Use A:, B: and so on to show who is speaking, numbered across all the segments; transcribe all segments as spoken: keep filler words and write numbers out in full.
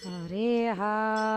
A: ಹರೇ ಹಾ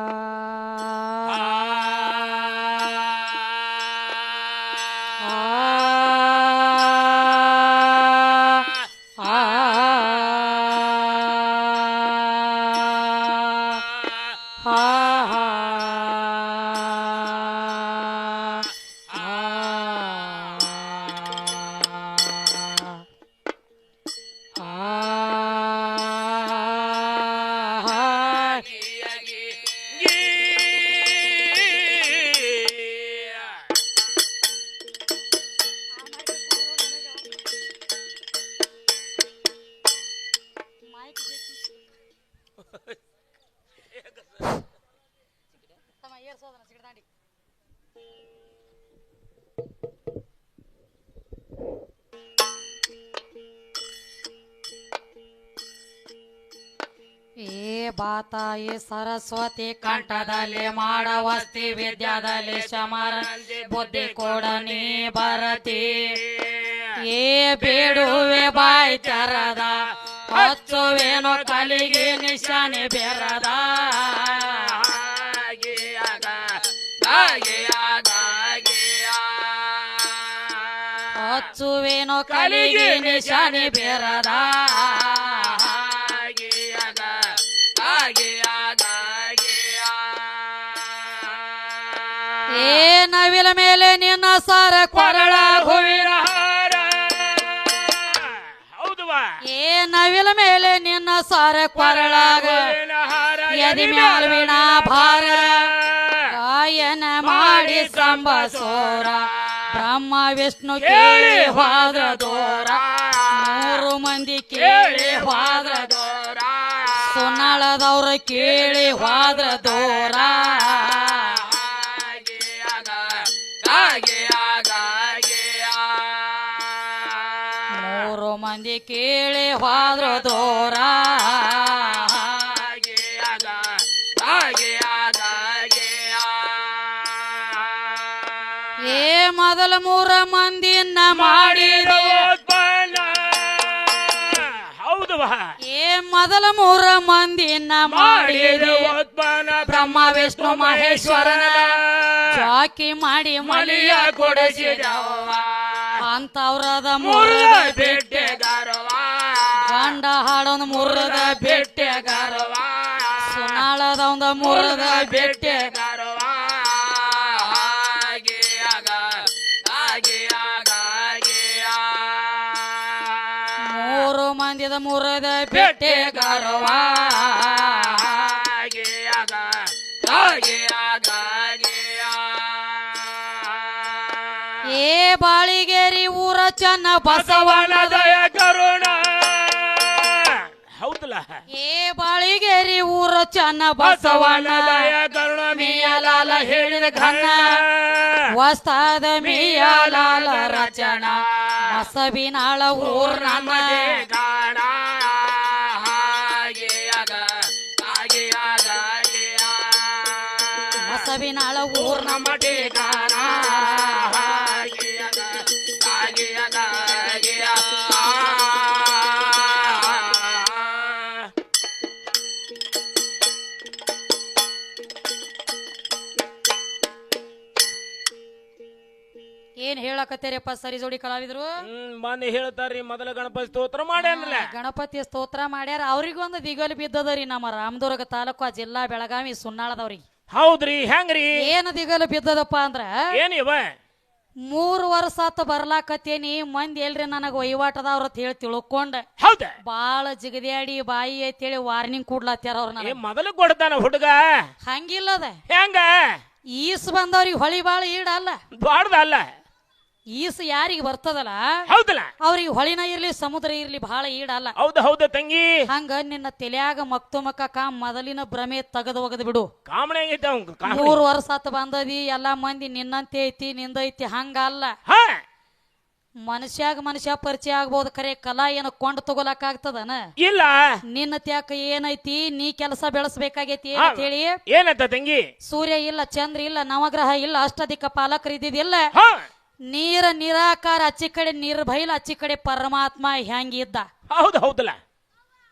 A: ಏ ಬಾತಾಯಿ ಸರಸ್ವತಿ ಕಂಠದಲ್ಲಿ ಮಾಡವಸ್ತಿ ವಿದ್ಯಾದಲ್ಲಿ ಶಮರ ಬುದ್ಧಿ ಕೊಡ ನೀ ಬರತಿ ಏ ಬೇಡುವೆ ಬಾಯಿ ತೆರದ ಹಚ್ಚುವೇನೋ ಕಲಿಗೆ ನಿಶಾನೆ ಬೆರದ ಹಚ್ಚುವೇನೋ ಕಲಿಗೆ ನಿಶಾನೆ ಬೆರದ ಏ ನವಿಲ ಮೇಲೆ ನಿನ್ನ ಸಾರ ಕೊರಳ ಹೂವಿನ ಹಾರ ಏ ನವಿಲ ಮೇಲೆ ನಿನ್ನ ಸಾರ ಕೊರಳಾಗ ಎದಿ ಮ್ಯಾಲ್ವಿನ ಭಾರ ಗಾಯನ ಮಾಡಿ ಸಂಬಸೋರ ಬ್ರಹ್ಮ ವಿಷ್ಣು ಕೇಳಿ ಹೋದ್ರ ದೂರ ಮೂರು ಮಂದಿ ಕೇಳಿ ಹೋದ್ರ ದೂರ ಸುನ್ನಳದವ್ರ ಕೇಳಿ ಹೋದ್ರ ದೂರ ಮೂರು ಮಂದಿ ಕೇಳಿ ಹೋದ್ರ ದೂರ ಏ ಮೊದಲ ಮೂರ ಮಂದಿನ ಮಾಡಿದ ಹೌದು ಏ ಮೊದಲ ಮೂರ ಮಂದಿನ ಮಾಡಿದ ಬ್ರಹ್ಮ ವಿಷ್ಣು ಮಹೇಶ್ವರನ ಚಾಕಿ ಮಾಡಿ ಮಲಿಯ ಕೊಡಿಸಿದವ ಅಂತವ್ರದ ಮುರದ ಬೆಟ್ಟೆ ಗರವ ಗಂಡ ಹಾಡೊಂದು ಮುರದ ಬೆಟ್ಟೆ ಗರವ ಸುನಾಳದ ಒಂದು ಮುರದ ಬೆಟ್ಟೆ ಗರವ ಮೂರು ಮಂದಿದ ಮುರದ ಬೆಟ್ಟೆ ಗರವ ಏ ಬಾಳಿಗೇರಿ ಊರ ಚನ್ನ ಬಸವನ ದಯ ಕರುಣ ಹೌದಲ್ಲ ಏ ಬಾಳಿಗೇರಿ ಊರ ಚನ್ನ ಬಸವನ ದಯ ಕರುಣ ಮಿಯಲಾಲ ಹೇಳಿದ ಘನ ವಸ್ತಾದ ಮಿಯಲಾಲ ರಚನ ಬಸವಿನಾಳ ಊರ್ ನಮ್ಮ ಗಾಣ ಬಸವಿನಾಳ ಊರ್ ನಮ್ಮ ಗಾಣ ಏನ್ ಹೇಳಕತ್ತೀರಪ್ಪ ಸರಿ ಜೋಡಿ ಕಲಾವಿದ್ರು
B: ಮನೆ ಹೇಳ್ತಾರ್ರಿ ಮೊದಲ ಗಣಪತಿ ಸ್ತೋತ್ರ ಮಾಡ್ಯಾನಲ್ಲ
A: ಗಣಪತಿ ಸ್ತೋತ್ರ ಮಾಡ್ಯಾರ ಅವ್ರಿಗೊಂದು ದಿಗಲು ಬಿದ್ದದರಿ ನಮ್ಮ ರಾಮದುರ್ಗ ತಾಲೂಕು ಜಿಲ್ಲಾ ಬೆಳಗಾವಿ ಸುನ್ನಾಳದವ್ರಿಗೆ
B: ಹೌದ್ರಿ ಹೆಂಗ್ರಿ
A: ಏನ್ ದಿಗಲು ಬಿದ್ದದಪ್ಪ ಅಂದ್ರ
B: ಏನ್ ಇವ
A: ಮೂರ್ ವರ್ಷ ಆತ ಬರ್ಲಾಕತ್ತೇನಿ ಮಂದಿ ಎಲ್ರಿ ನನಗ ವಹಿವಾಟದವ್ರ ಅಂತ ಹೇಳಿ ತಿಳ್ಕೊಂಡ
B: ಹೌದ ಬಾಳ
A: ಜಿಗದ್ಯಾಡಿ ಬಾಯಿ ಐತೇಳಿ ವಾರ್ನಿಂಗ್ ಕೊಡ್ಲತ್ತಾರ ಅವ್ರ ನನಗ
B: ಮೊದಲು ಕೊಡ್ತಾನ ಹುಡುಗ
A: ಹಂಗಿಲ್ಲದ
B: ಹೆಂಗ
A: ಈಸ್ ಬಂದವ್ರಿಗೆ ಹೊಳಿ ಬಾಳ ಈಡಲ್ಲ
B: ಬಾಡ್ದಲ್ಲ
A: ಈಸ್ ಯಾರಿಗೆ ಬರ್ತದಲ್ಲ
B: ಹೌದಲ್ಲ
A: ಅವ್ರಿಗೆ ಹೊಳಿನ ಇರ್ಲಿ ಸಮುದ್ರ ಇರ್ಲಿ ಬಹಳ ಈಡಲ್ಲ
B: ಹೌದ ಹೌದ ತಂಗಿ
A: ಹಂಗ ನಿನ್ನ ತಲೆಯಾಗ ಮಕ್ತುಮಕ ಕಾ ಮೊದಲಿನ ಭ್ರಮೆ ತಗದ ಒಗದ್ ಬಿಡು
B: ಕಾಮಣೆ ಆಗೈತೆ ಅವ್ನ್
A: ಮೂರ್ ವರ್ಷ ಆತ ಬಂದದಿ ಎಲ್ಲಾ ಮಂದಿ ನಿನ್ನಂತೆ ಐತಿ ನಿಂದೈತಿ ಹಂಗ ಅಲ್ಲ ಮನುಷ್ಯಾಗ ಮನುಷ್ಯ ಪರಿಚಯ ಆಗ್ಬೋದು ಖರೆ ಕಲಾ ಏನ ಕೊಂಡ್ ತಗೋಲಕ್ ಆಗ್ತದನ
B: ಇಲ್ಲ
A: ನಿನ್ನ ತ್ಯಾಕ ಏನೈತಿ ನೀ ಕೆಲಸ ಬೆಳೆಸಬೇಕಾಗೈತಿ ಅಂತ ಹೇಳಿ
B: ಏನಂತ ತಂಗಿ
A: ಸೂರ್ಯ ಇಲ್ಲ ಚಂದ್ರ ಇಲ್ಲ ನವಗ್ರಹ ಇಲ್ಲ ಅಷ್ಟದಿಕ್ಕ ಪಾಲಕರು ಇದ್ದಿದ್ದಿಲ್ಲ ನೀರ ನಿರಾಕಾರ ಅಚ್ಚಿ ಕಡೆ ನಿರ್ಭೈಲ ಅಚ್ಚಿ ಕಡೆ ಪರಮಾತ್ಮ ಹೆಂಗಿದ್ದ
B: ಹೌದು ಹೌದಲ್ಲ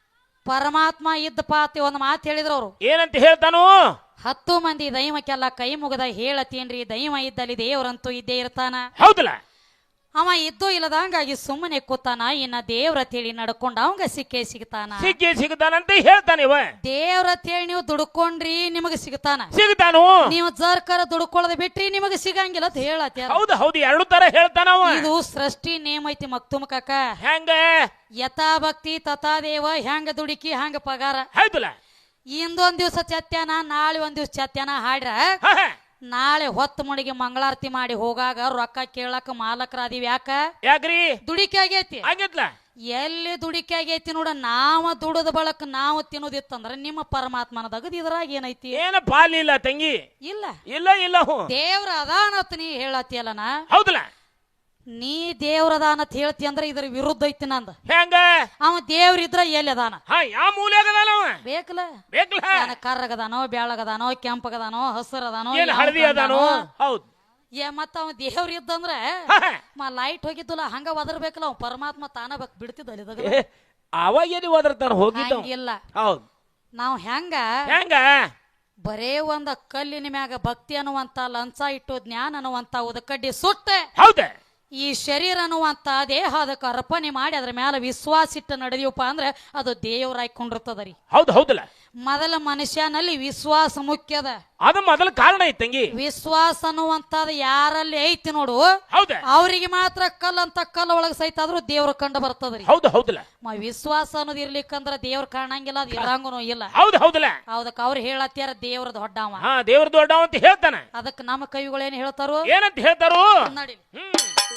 A: ಪರಮಾತ್ಮ ಇದ್ದಪ್ಪ ಅಂತ ಒಂದು ಮಾತು ಹೇಳಿದ್ರು ಅವ್ರು.
B: ಏನಂತ ಹೇಳ್ತಾನು?
A: ಹತ್ತು ಮಂದಿ ದೈವಕ್ಕೆಲ್ಲ ಕೈ ಮುಗದ ಹೇಳತೀನ್ರಿ, ದೈವ ಇದ್ದಲ್ಲಿ ದೇವ್ರಂತೂ ಇದ್ದೇ ಇರ್ತಾನ.
B: ಹೌದಲ್ಲ?
A: ಅವ ಇದ್ದು ಇಲ್ಲದಂಗಾಗಿ ಸುಮ್ಮನೆ ಕೂತಾನ. ಇನ್ನ ದೇವ್ರ ತೇಳಿ ನಡ್ಕೊಂಡ ಅವಂಗ ಸಿಕ್ಕೇ ಸಿಗ್ತಾನ.
B: ಸಿಕ್ಕಿ ಸಿಗ್ತಾನಂತ ಹೇಳ್ತಾನೆ ಇವ.
A: ದೇವ್ರ ತೇಳಿ ನೀವು ದುಡ್ಕೊಂಡ್ರಿ ನಿಮಗ ಸಿಗ್ತಾನ.
B: ಸಿಗ್ತಾನು.
A: ನೀವು ಜರ್ಕರ ದುಡ್ಕೊಳ್ಳೋದ್ ಬಿಟ್ರಿ ನಿಮಗ ಸಿಗಂಗಿಲ್ಲ ಅಂತ ಹೇಳತ್ತ.
B: ಹೌದು ಹೌದು, ಎರಡು ತರ ಹೇಳ್ತಾನವ.
A: ಇದು ಸೃಷ್ಟಿ ನೇಮ ಐತಿ ಮಕ್ತುಮ ಕಾಕ.
B: ಹೆಂಗ?
A: ಯಥಾ ಭಕ್ತಿ ತಥಾ ದೇವ. ಹೆಂಗ ದುಡುಕಿ ಹಂಗ ಪಗಾರ.
B: ಹೌದಲ್ಲ?
A: ಇಂದೊಂದ್ ದಿವ್ಸ ಚತ್ಯಾನ, ನಾಳೆ ಒಂದ್ ದಿವ್ಸ ಚತ್ಯಾನ ಹಾಡ್ರ ನಾಳೆ ಹೊತ್ತು ಮುಡಿಗೆ ಮಂಗಳಾರತಿ ಮಾಡಿ ಹೋಗಾಗ ರೊಕ್ಕ ಕೇಳಕ್ ಮಾಲಕರ ಅದೀವಿ. ಯಾಕ?
B: ಯಾಕ್ರಿ?
A: ದುಡಿಕೆ ಆಗೈತಿ.
B: ಆಗೈತ್ಲ?
A: ಎಲ್ಲಿ ದುಡಿಕೆ ಆಗೈತಿ ನೋಡ. ನಾವ ದುಡದ ಬಳಕ ನಾವು ತಿನ್ನೋದಿತ್ತಂದ್ರ ನಿಮ್ಮ ಪರಮಾತ್ಮನ ದಗದ್ ಇದ್ರಾಗ ಏನೈತಿ?
B: ಏನ ಪಾಲಿಲ್ಲ ತಂಗಿ?
A: ಇಲ್ಲ
B: ಇಲ್ಲ ಇಲ್ಲ.
A: ದೇವ್ರ ಅದಾನತ್ ನೀ ಹೇಳತ್ತಿಯಲ್ಲನ.
B: ಹೌದಲ್ಲ?
A: ನೀ ದೇವ್ರ ಅದಾನತ್ ಹೇಳ್ತಿ ಅಂದ್ರ ಇದ್ರ ವಿರುದ್ಧ ಐತಿ ನಂದ.
B: ಹೆಂಗ? ಅವ
A: ದೇವ್ರ ಇದ್ರ ಎಲ್ಲಿ ಅದಾನ?
B: ಹಾ, ಯಾವ ಮೂಲೆಯಾಗದಾನ ಅವ?
A: ಬೇಕಲ್ಲ
B: ಬೇಕಲ್ಲ.
A: ಕರ್ರಗದಾನೋ, ಬ್ಯಾಳಗದಾನೋ, ಕೆಂಪಗದಾನೋ, ಹಸರದಾನೋ,
B: ಏನ್ ಹಳದಿ ಅದಾನೋ? ಹೌದು.
A: ಏ ಮತ್ತ ಅವ ದೇವ್ರ ಇದ್ದಂದ್ರ ಮ ಲೈಟ್ ಹೋಗಿದ್ದುಲ್ಲ ಹಂಗ ಒದರ್ಬೇಕಲ್ಲ. ಅವ್ ಪರಮಾತ್ಮ ತಾನ ಬಕ್ ಬಿಡ್ತಿದ್ದ.
B: ಅವಾಗ ಎಲ್ಲಿ ಒದರ್ತಾನ ಹೋಗಿದ್ದ?
A: ಇಲ್ಲ.
B: ಹೌದು.
A: ನಾವ್ ಹೆಂಗ
B: ಹೆಂಗ
A: ಬರೇ ಒಂದ ಕಲ್ಲಿನ ಮ್ಯಾಗ ಭಕ್ತಿ ಅನ್ನುವಂತ, ಲಂಚ ಇಟ್ಟು ಜ್ಞಾನ ಅನ್ನುವಂತ ಉದಕಡ್ಡಿ ಸುಟ್ಟ
B: ಹೌದ
A: ಈ ಶರೀರ ಅನ್ನುವಂತ ದೇಹ ಅದಕ್ಕೆ ಅರ್ಪಣೆ ಮಾಡಿ ಅದ್ರ ಮ್ಯಾಲ ವಿಶ್ವಾಸ ಇಟ್ಟು ನಡೆದಿವಪ್ಪ ಅಂದ್ರೆ ಅದು ದೇವರಾಯ್ಕೊಂಡಿರ್ತದರಿ.
B: ಹೌದು ಹೌದಲ್ಲ?
A: ಮೊದಲ ಮನುಷ್ಯನಲ್ಲಿ ವಿಶ್ವಾಸ ಮುಖ್ಯದ.
B: ಅದು ಮೊದಲ ಕಾರಣ ಐತಿ ತಂಗಿ.
A: ವಿಶ್ವಾಸ ಅನ್ನುವಂತದ ಯಾರಲ್ಲಿ ಐತಿ ನೋಡು,
B: ಹೌದ,
A: ಅವ್ರಿಗೆ ಮಾತ್ರ ಕಲ್ಲಂತ ಕಲ್ಲ ಒಳಗ ಸಹಿತ ಆದ್ರೂ ದೇವ್ರ ಕಂಡು ಬರ್ತದ್ರಿ.
B: ಹೌದು ಹೌದಲ್ಲ?
A: ವಿಶ್ವಾಸ ಅನ್ನೋದು ಇರ್ಲಿಕ್ಕಂದ್ರ ದೇವ್ರ ಕಾಣಂಗಿಲ್ಲ, ಅದು ಇರಂಗನು ಇಲ್ಲ.
B: ಹೌದು ಹೌದಲ್ಲ?
A: ಹೌದಕ್ಕ ಅವ್ರು ಹೇಳತ್ಯಾರ ದೇವ್ರ ದೊಡ್ಡವ.
B: ಹಾ, ದೇವ್ರ ದೊಡ್ಡವ ಅಂತ ಹೇಳ್ತಾನ.
A: ಅದಕ್ಕೆ ನಮ್ಮ ಕವಿಗಳು ಏನ್ ಹೇಳ್ತಾರು?
B: ಏನಂತ ಹೇಳ್ತಾರು
A: ನೋಡಿ.
B: ಹ್ಮ್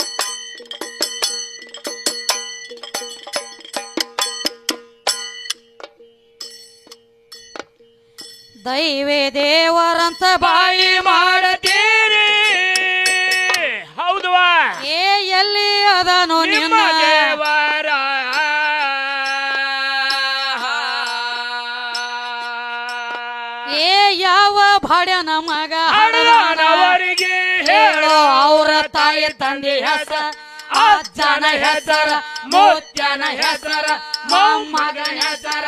A: ದೈವೇ ದೇವರಂತ
B: ಬಾಯಿ ಮಾಡತೀರಿ. ಹೌದವಾ?
A: ಏ ಎಲ್ಲಿ ಅದನು
B: ನಿಮ್ಮ ದೇವರ
A: ಏ ಯಾವ ಭಾಡ್ಯನ ಮಗ
B: ಹಡದವರಿಗೆ
A: ಹೇಳೋ ಅವರ ತಾಯಿ ತಂದೆ ಹೆಸರ,
B: ಅಜ್ಜನ ಹೆಸರ, ಮುತ್ಯನ ಹೆಸರ, ಮೊಮ್ಮಗನ ಹೆಸರ.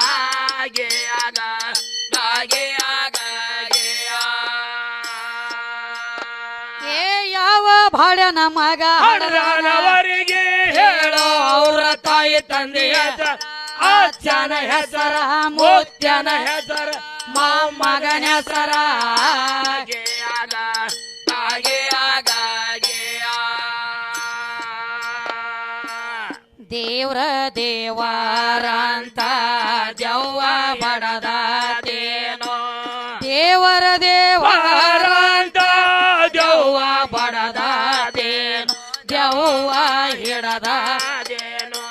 A: ಏ ಯಾವ ಭಾಡ್ಯನ ಮಗ
B: ಹಡದವರಿಗೆ ಹೇಳೋ ಅವರ ತಾಯಿ ತಂದೆ ಹೆಸರ, ಅಜ್ಜನ ಹೆಸರ, ಮುತ್ಯನ ಹೆಸರ, ಮೊಮ್ಮಗನ ಹೆಸರ.
A: ದೇವ್ರ ದೇವರಂತ ದೆವ್ವ ಬಡದಾತೇನೋ, ದೇವರ ದೇವರಂತ
B: ದೆವ್ವ
A: ಬಡದಾತೇನೋ, ದೆವ್ವ ಹಿಡದಾದೇನೋ.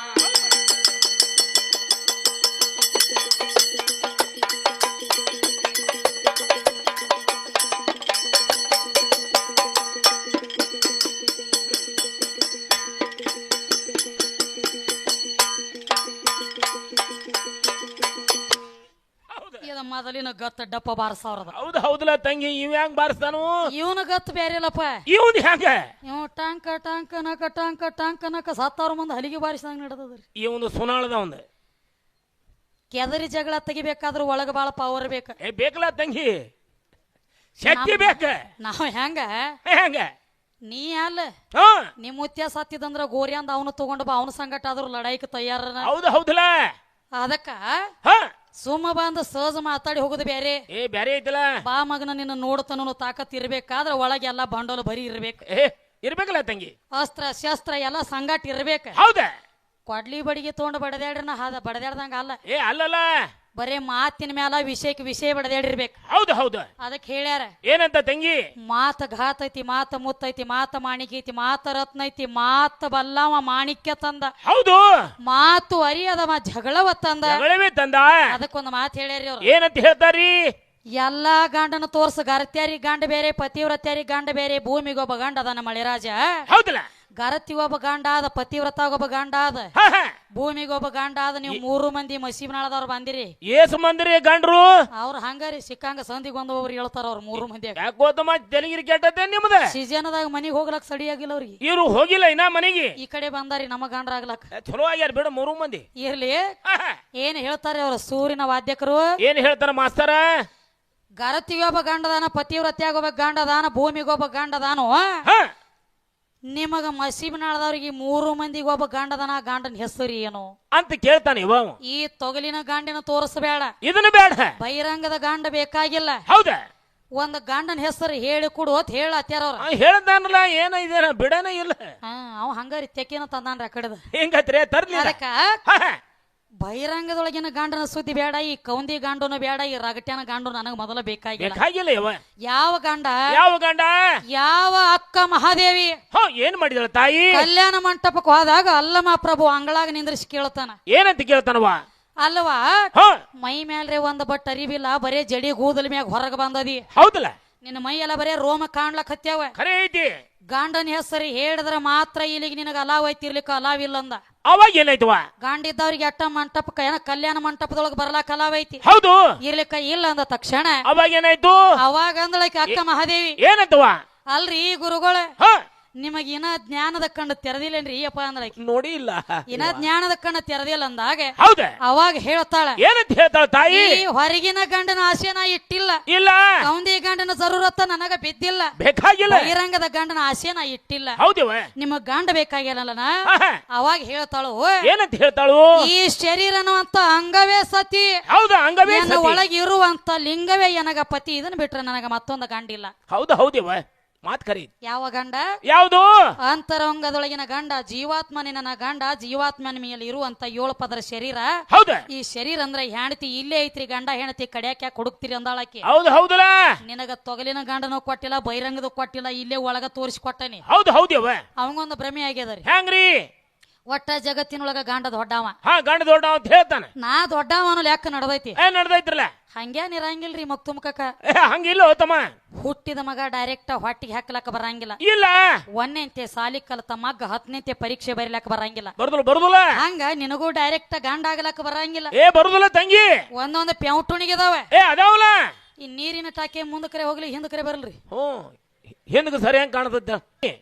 A: ಮೊದಲಿನ ಗತ್ತ ಡಪ್ಪ ಬಾರಿಸವ್ರದ.
B: ಹೌದು ಹೌದಲ್ಲ ತಂಗಿ? ಇವ್ ಹೆಂಗ್ ಬಾರಿಸ್ತಾನು?
A: ಇವನ ಗತ್ ಬೇರೆ ಇಲ್ಲಪ್ಪ.
B: ಇವನ್ ಹೆಂಗ?
A: ಇವ್ ಟಾಂಕ ಟಾಂಕ ನಕ ಟಾಂಕ ಟಾಂಕ ನಕ ಸತ್ತಾವ್ರ ಮುಂದೆ ಹಲಿಗೆ ಬಾರಿಸಿದಂಗ ನಡೆದದ್ರಿ.
B: ಇವನು ಸುನಾಳದ ಒಂದು
A: ಕೆದರಿ ಜಗಳ ತೆಗಿಬೇಕಾದ್ರ ಒಳಗ ಬಾಳ ಪವರ್ ಬೇಕ.
B: ಏ ಬೇಕಲ್ಲ ತಂಗಿ, ಶಕ್ತಿ ಬೇಕ.
A: ನಾವ್ ಹೆಂಗ
B: ಹೆಂಗ
A: ನೀ ಅಲ್ಲ
B: ಹಾ
A: ನಿಮ್ ಮುತ್ಯ ಸತ್ತಿದಂದ್ರ ಗೋರಿ ಅಂದ ಅವನು ತಗೊಂಡು ಬಾ, ಅವನ ಸಂಗಟ ಆದ್ರೂ ಲಡಾಯಿಕ್ ತಯಾರ.
B: ಹೌದು ಹೌದಲ್ಲ?
A: ಅದಕ್ಕ
B: ಹಾ
A: ಸುಮ್ಮ ಬಂದ ಸಹಜ ಮಾತಾಡಿ ಹೋಗುದು ಬೇರೆ.
B: ಏ ಬ್ಯಾರೆ ಐತಲ್ಲ?
A: ಬಾ ಮಗನ ನಿನ್ನ ನೋಡ್ತಾನು ತಾಕತ್ ಇರ್ಬೇಕಾದ್ರ ಒಳಗೆ ಎಲ್ಲಾ ಬಂಡೋಲು ಬರಿ ಇರ್ಬೇಕು.
B: ಏ ಇರ್ಬೇಕಲ್ಲ ತಂಗಿ?
A: ಅಸ್ತ್ರ ಶಸ್ತ್ರ ಎಲ್ಲಾ ಸಂಗಾಟ ಇರ್ಬೇಕ.
B: ಹೌದ?
A: ಕೊಡ್ಲಿ ಬಡಿಗೆ ತಗೊಂಡು ಬಡದಾಡ್ರನ ಹಾದ ಬಡದಾಡ್ದಂಗ ಅಲ್ಲ.
B: ಏ ಅಲ್ಲಲ್ಲ,
A: ಬರೇ ಮಾತಿನ ಮ್ಯಾಲ ವಿಷಯಕ್ಕೆ ವಿಷಯ ಬಡದಾಡಿರ್ಬೇಕು.
B: ಹೌದು ಹೌದು.
A: ಅದಕ್ಕೆ ಹೇಳ್ಯಾರ
B: ಏನಂತ ತಂಗಿ?
A: ಮಾತ ಘಾತ ಐತಿ, ಮಾತ ಮುತ್ತೈತಿ, ಮಾತ ಮಾಣಿಕ್ಯ ಐತಿ, ಮಾತ ರತ್ನ ಐತಿ, ಮಾತ ಬಲ್ಲವ ಮಾಣಿಕ್ಯ ತಂದ.
B: ಹೌದು.
A: ಮಾತು ಅರಿಯದವ ಜಗಳವ ತಂದ.
B: ಜಗಳವೇ ತಂದ.
A: ಅದಕ್ಕೊಂದು ಮಾತು ಹೇಳ್ಯಾರಿ ಅವ್ರು.
B: ಏನಂತ ಹೇಳ್ತಾರಿ?
A: ಎಲ್ಲಾ ಗಂಡನ ತೋರ್ಸ, ಗರತ್ಯಾರಿ ಗಂಡ ಬೇರೆ, ಪತಿವ್ರತ್ಯಾರಿ ಗಂಡ ಬೇರೆ. ಭೂಮಿಗೊಬ್ಬ ಗಂಡ ಅದನ್ನ ಮಳೆರಾಜ.
B: ಹೌದಲ್ಲ?
A: ಗರತಿ ಒಬ್ಬ ಗಂಡ ಆದ, ಪತಿವ್ರತ ಒಬ್ಬ ಗಂಡ ಆದ. ಭೂಮಿಗೆ ಒಬ್ಬ ಗಂಡ ಆದ ನೀವು ಮೂರು ಮಂದಿ ಮಸೀಬ್ನಾಳದವ್ರು ಬಂದಿರಿ
B: ಏಸು ಮಂದಿರಿ ಗಂಡ್ರು
A: ಅವ್ರ ಹಂಗಾರಿ ಸಿಕ್ಕಂಗ ಸಂದಿಗೆ ಒಂದು ಒಬ್ರು ಹೇಳ್ತಾರ ಅವ್ರ ಮೂರು ಮಂದಿ
B: ಯಾಕೋತಮ್ಮ ತೆಲಗಿರಿ ಕೆಟ್ಟತೆ ನಿಮ್ದ
A: ಸೀಜನದಾಗ ಮನಿಗ್ ಹೋಗ್ಲಕ್ ಸಡಿ ಆಗಿಲ್ಲ ಅವ್ರಿಗೆ
B: ಇವ್ರು ಹೋಗಿಲ್ಲ ಇನ್ನ ಮನೆಗೆ
A: ಈ ಕಡೆ ಬಂದಾರಿ ನಮ್ಮ ಗಂಡ್ರ ಆಗ್ಲಕ್
B: ಚಲೋ ಆಗ್ಯಾರ ಬಿಡ ಮೂರು ಮಂದಿ
A: ಇರ್ಲಿ ಏನ್ ಹೇಳ್ತಾರೆ ಅವ್ರ ಸೂರಿನ ವಾದ್ಯಕರು
B: ಏನ್ ಹೇಳ್ತಾರ ಮಾಸ್ತರ
A: ಗರತಿಗೊಬ್ಬ ಗಂಡದಾನ ಪತಿವ್ರತ್ಯಾಗೊಬ್ಬ ಗಂಡದಾನ ಭೂಮಿಗೊಬ್ಬ ಗಂಡದಾನು ನಿಮಗ ಮಸೀಬ್ನಾಳದವ್ರಿಗೆ ಮೂರು ಮಂದಿಗೆ ಒಬ್ಬ ಗಂಡದನ ಗಂಡನ ಹೆಸರು ಏನು
B: ಅಂತ ಕೇಳ್ತಾನೆ ಇವ
A: ಈ ತೊಗಲಿನ ಗಂಡಿನ ತೋರಿಸಬೇಡ
B: ಇದನ್ನ ಬೇಡ
A: ಬಹಿರಂಗದ ಗಂಡ ಬೇಕಾಗಿಲ್ಲ
B: ಹೌದಾ
A: ಒಂದ್ ಗಂಡನ ಹೆಸರು ಹೇಳಿ ಕೊಡು ಅಂತ ಹೇಳತ್ಯಾರ ಅವ್ರ
B: ಹೇಳ್ದಾನಲ್ಲ ಏನ ಇದೇನ ಬಿಡನ ಇಲ್ಲ
A: ಹಾ ಅವ ಹಂಗಾರಿ ತೆಕ್ಕಿನ ತಂದಾನ್ರಿ ಆ ಕಡೆದ
B: ಹೆಂಗತ್ರಿ ತರ್ಲಿ
A: ಅದಕ್ಕ ಬಹಿರಂಗದೊಳಗಿನ ಗಂಡನ ಸುದ್ದಿ ಬೇಡ ಈ ಕೌಂದಿ ಗಂಡನು ಬೇಡ ಈ ರಗಟ್ಯಾನ ಗಂಡು ನನಗ ಮೊದಲ ಬೇಕಾಗಿಲ್ಲ
B: ಬೇಕಾಗಿಲ್ಲ ಇವ
A: ಯಾವ ಗಂಡ
B: ಯಾವ ಗಂಡ ಯಾವ
A: ಅಕ್ಕ ಮಹಾದೇವಿ
B: ಹ ಏನ್ ಮಾಡಿದಳ ತಾಯಿ
A: ಕಲ್ಯಾಣ ಮಂಟಪಕ್ಕೆ ಹೋದಾಗ ಅಲ್ಲಮ ಪ್ರಭು ಅಂಗಳಾಗ ನಿಂದ್ರಿಸಿ ಕೇಳ್ತಾನ
B: ಏನಂತ ಕೇಳ್ತಾನವ
A: ಅಲ್ವಾ ಮೈ ಮೇಲ್ರೆ ಒಂದ್ ಬಟ್ ಅರಿವಿಲ್ಲ ಬರೇ ಜಡಿ ಕೂದಲ ಮ್ಯಾಗ ಹೊರಗ ಬಂದದಿ
B: ಹೌದಲ್ಲ
A: ನಿನ್ನ ಮೈ ಎಲ್ಲ ಬರೇ ರೋಮ ಕಾಣ್ಲಕ್ ಹತ್ಯಾವ
B: ಖರೆ ಐತಿ
A: ಗಂಡನ ಹೆಸರು ಹೇಳಿದ್ರ ಮಾತ್ರ ಇಲ್ಲಿಗೆ ನಿನಗ ಅಲಾವ್ ಐತಿರ್ಲಿಕ್ಕ ಅಲಾವ್ ಇಲ್ಲ ಅಂದ
B: ಅವಾಗ ಏನಾಯ್ತವ
A: ಗಂಡಿದ್ದವ್ರಿಗೆ ಅಟ್ಟ ಮಂಟಪಕ್ಕ ಏನ ಕಲ್ಯಾಣ ಮಂಟಪದೊಳಗ ಬರ್ಲಾಕ ಅಲಾವ್ ಐತಿ
B: ಹೌದು
A: ಇರ್ಲಿಕ್ಕ ಇಲ್ಲ ಅಂದ ತಕ್ಷಣ
B: ಅವಾಗ ಏನಾಯ್ತು
A: ಅವಾಗ ಅಂದಳಕ್ಕೆ ಅಕ್ಕ ಮಹಾದೇವಿ
B: ಏನಂತವ
A: ಅಲ್ರಿ ಗುರುಗಳ
B: ಹ
A: ನಿಮಗ ಇನ್ನ ಜ್ಞಾನದ ಕಣ್ಣು ತೆರೆದಿಲ್ಲೇನ್ರಿ ಅಪ್ಪ ಅಂದ್ರ
B: ನೋಡಿ ಇಲ್ಲ
A: ಇನ್ನ ಜ್ಞಾನದ ಕಣ್ಣು ತೆರೆದಿಲ್ಲ ಅಂದಾಗ
B: ಹೌದ
A: ಅವಾಗ ಹೇಳ್ತಾಳ
B: ಏನಂತ ಹೇಳ್ತಾಳ ತಾಯಿ
A: ಹೊರಗಿನ ಗಂಡನ ಆಸೆ ನಾ ಇಟ್ಟಿಲ್ಲ
B: ಇಲ್ಲ
A: ಕೌಂದಿ ಗಂಡನ ಜರೂರತ್ತ ನನಗ ಬಿದ್ದಿಲ್ಲ
B: ಬೇಕಾಗಿಲ್ಲ
A: ಬಹಿರಂಗದ ಗಂಡನ ಆಸೆ ನಾ ಇಟ್ಟಿಲ್ಲ
B: ಹೌದಿವ
A: ನಿಮಗ್ ಗಂಡ ಬೇಕಾಗಿಲ್ಲ ಅವಾಗ ಹೇಳ್ತಾಳು
B: ಏನಂತ ಹೇಳ್ತಾಳು
A: ಈ ಶರೀರ ಅನ್ನುವಂತ ಅಂಗವೇ ಸತಿ
B: ಹೌದಾ ಅಂಗವೇ
A: ಒಳಗೆ ಇರುವಂತ ಲಿಂಗವೇ ನನಗ ಪತಿ ಇದನ್ನ ಬಿಟ್ರೆ ನನಗ ಮತ್ತೊಂದು ಗಂಡಿಲ್ಲ
B: ಹೌದಾ ಹೌದಿವ ಮಾತ್ ಕರಿ
A: ಯಾವ ಗಂಡ
B: ಯಾವುದು
A: ಅಂತರಂಗದೊಳಗಿನ ಗಂಡ ಜೀವಾತ್ಮನೇ ನನ್ನ ಗಂಡ ಜೀವಾತ್ಮನ ಮೇಲೆ ಇರುವಂತ ಏಳು ಪದರ ಶರೀರ
B: ಹೌದಾ
A: ಈ ಶರೀರ ಅಂದ್ರೆ ಹೆಣತಿ ಇಲ್ಲೇ ಐತ್ರಿ ಗಂಡ ಹೆಣತಿ ಕಡ್ಯಾಕ ಹುಡುಕ್ತಿರಿ ಅಂದಾಳಕಿ
B: ಹೌದು ಹೌದಲ್ಲ
A: ನಿನಗ ತೊಗಲಿನ ಗಂಡನೂ ಕೊಟ್ಟಿಲ್ಲ ಬಹಿರಂಗದ ಕೊಟ್ಟಿಲ್ಲ ಇಲ್ಲೇ ಒಳಗ ತೋರಿಸಿ ಕೊಟ್ಟನಿ
B: ಹೌದು ಹೌದಿವ
A: ಅವಂಗೊಂದು ಭ್ರಮೆ ಆಗ್ಯದರಿ
B: ಹೆಂಗ್ರಿ
A: ಒಟ್ಟ ಜಗತ್ತಿನೊಳಗ ಗಂಡ ದೊಡ್ಡವ
B: ಹಾ ಗಂಡ ದೊಡ್ಡ ಅಂತ ಹೇಳ್ತಾನ
A: ನಾ ದೊಡ್ಡವ ಅನ್ನೋ ಲೆಕ್ಕ ನಡ್ದೈತಿ
B: ಏನ್ ನಡ್ದೈತ್ರಲ್ಲ
A: ಹಂಗ್ಯಾನ್ ಇರಂಗಿಲ್ರಿ ಮಕ್ ತುಮಕಕ್ಕ
B: ಹಂಗಿಲ್ಲ ತಮ್ಮ
A: ಹುಟ್ಟಿದ ಮಗ ಡೈರೆಕ್ಟ್ ಹೊಟ್ಟಿಗೆ ಹಾಕ್ಲಕ್ಕ ಬರಂಗಿಲ್ಲ
B: ಇಲ್ಲ
A: ಒಂದನೆಂತೆ ಸಾಲಿ ಕಲತ ಮಗ್ಗ ಹತ್ತನೆಂತೆ ಪರೀಕ್ಷೆ ಬರಿಲಕ್ಕ ಬರಂಗಿಲ್ಲ
B: ಬರುದಿಲ್ಲ ಬರುದಿಲ್ಲ
A: ಹಂಗ ನಿನಗೂ ಡೈರೆಕ್ಟ್ ಗಂಡ ಆಗ್ಲಕ್ಕ ಬರಂಗಿಲ್ಲ
B: ಏ ಬರುದಿಲ್ಲ ತಂಗಿ
A: ಒಂದೊಂದು ಪ್ಯಾವುಟುಣಿಗಿದಾವ
B: ಏ ಅದಾವಲ್ಲ
A: ಈ ನೀರಿನ ಟಾಕೆ ಮುಂದ ಕರೆ ಹೋಗ್ಲಿ ಹಿಂದ ಕರೆ ಬರಲ್ರಿ
B: ಹ್ಮ್ ಹಿಂದಕ್ಕೆ ಸರಿ ಹೆಂಗ್ ಕಾಣತೈತೆ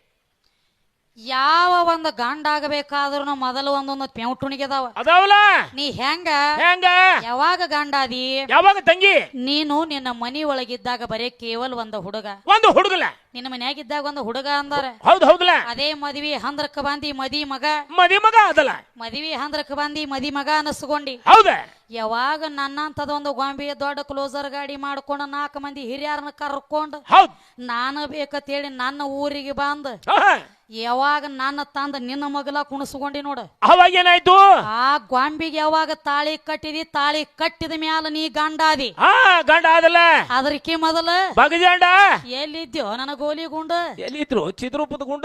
A: ಯಾವ ಒಂದು ಗಂಡ ಆಗಬೇಕಾದ್ರೂ ಮೊದಲು ಒಂದೊಂದು ಪ್ಯಾವುಟುಣಿಗಿದಾವ
B: ಅದಾವಲ್ಲ
A: ನೀ ಹೆಂಗ
B: ಹೆಂಗ
A: ಯಾವಾಗ ಗಂಡ ಅದಿ
B: ಯಾವಾಗ ತಂಗಿ
A: ನೀನು ನಿನ್ನ ಮನಿ ಒಳಗಿದ್ದಾಗ ಬರೇ ಕೇವಲ ಒಂದು ಹುಡುಗ
B: ಒಂದು ಹುಡುಗಲ
A: ನಿನ್ನ ಮನ್ಯಾಗಿದ್ದಾಗ ಒಂದು ಹುಡುಗ ಅಂದಾರ
B: ಹೌದು ಹೌದಲ್ಲ
A: ಅದೇ ಮದ್ವಿ ಹಂದ್ರಕ್ಕ ಬಂದಿ ಮದಿ ಮಗ
B: ಮದಿ ಮಗ ಅದಲ್ಲ
A: ಮದ್ವಿ ಹಂದ್ರಕ್ಕ ಬಂದಿ ಮದಿ ಮಗ ಅನಸ್ಕೊಂಡಿ
B: ಹೌದ
A: ಯಾವಾಗ ನನ್ನಂತದೊಂದು ಗೊಂಬೆ ದೊಡ್ಡ ಕ್ಲೋಸರ್ ಗಾಡಿ ಮಾಡ್ಕೊಂಡು ನಾಲ್ಕು ಮಂದಿ ಹಿರಿಯರನ್ನ ಕರ್ಕೊಂಡು
B: ಹೌದ್
A: ನಾನು ಬೇಕಂತೇಳಿ ನನ್ನ ಊರಿಗೆ ಬಂದ ಯಾವಾಗ ನನ್ನ ತಂದ ನಿನ್ನ ಮಗಲ ಕುಣಸ್ಕೊಂಡಿ ನೋಡು
B: ಅವಾಗ ಏನಾಯ್ತು
A: ಆ ಗೊಂಬಿಗೆ ಯಾವಾಗ ತಾಳಿ ಕಟ್ಟಿದಿ ತಾಳಿ ಕಟ್ಟಿದ ಮ್ಯಾಲ ನೀ ಗಂಡಾದಿ
B: ಹಾ ಗಂಡ ಆದಲ್ಲ
A: ಅದಕ್ಕೆ ಮೊದಲ
B: ಬಗಜಾಂಡ
A: ಎಲ್ಲಿದ್ಯೋ ನನ್ನ ಗೋಲಿ ಗುಂಡ
B: ಎಲ್ಲಿದ್ರು ಚಿತ್ರೂಪದ ಗುಂಡ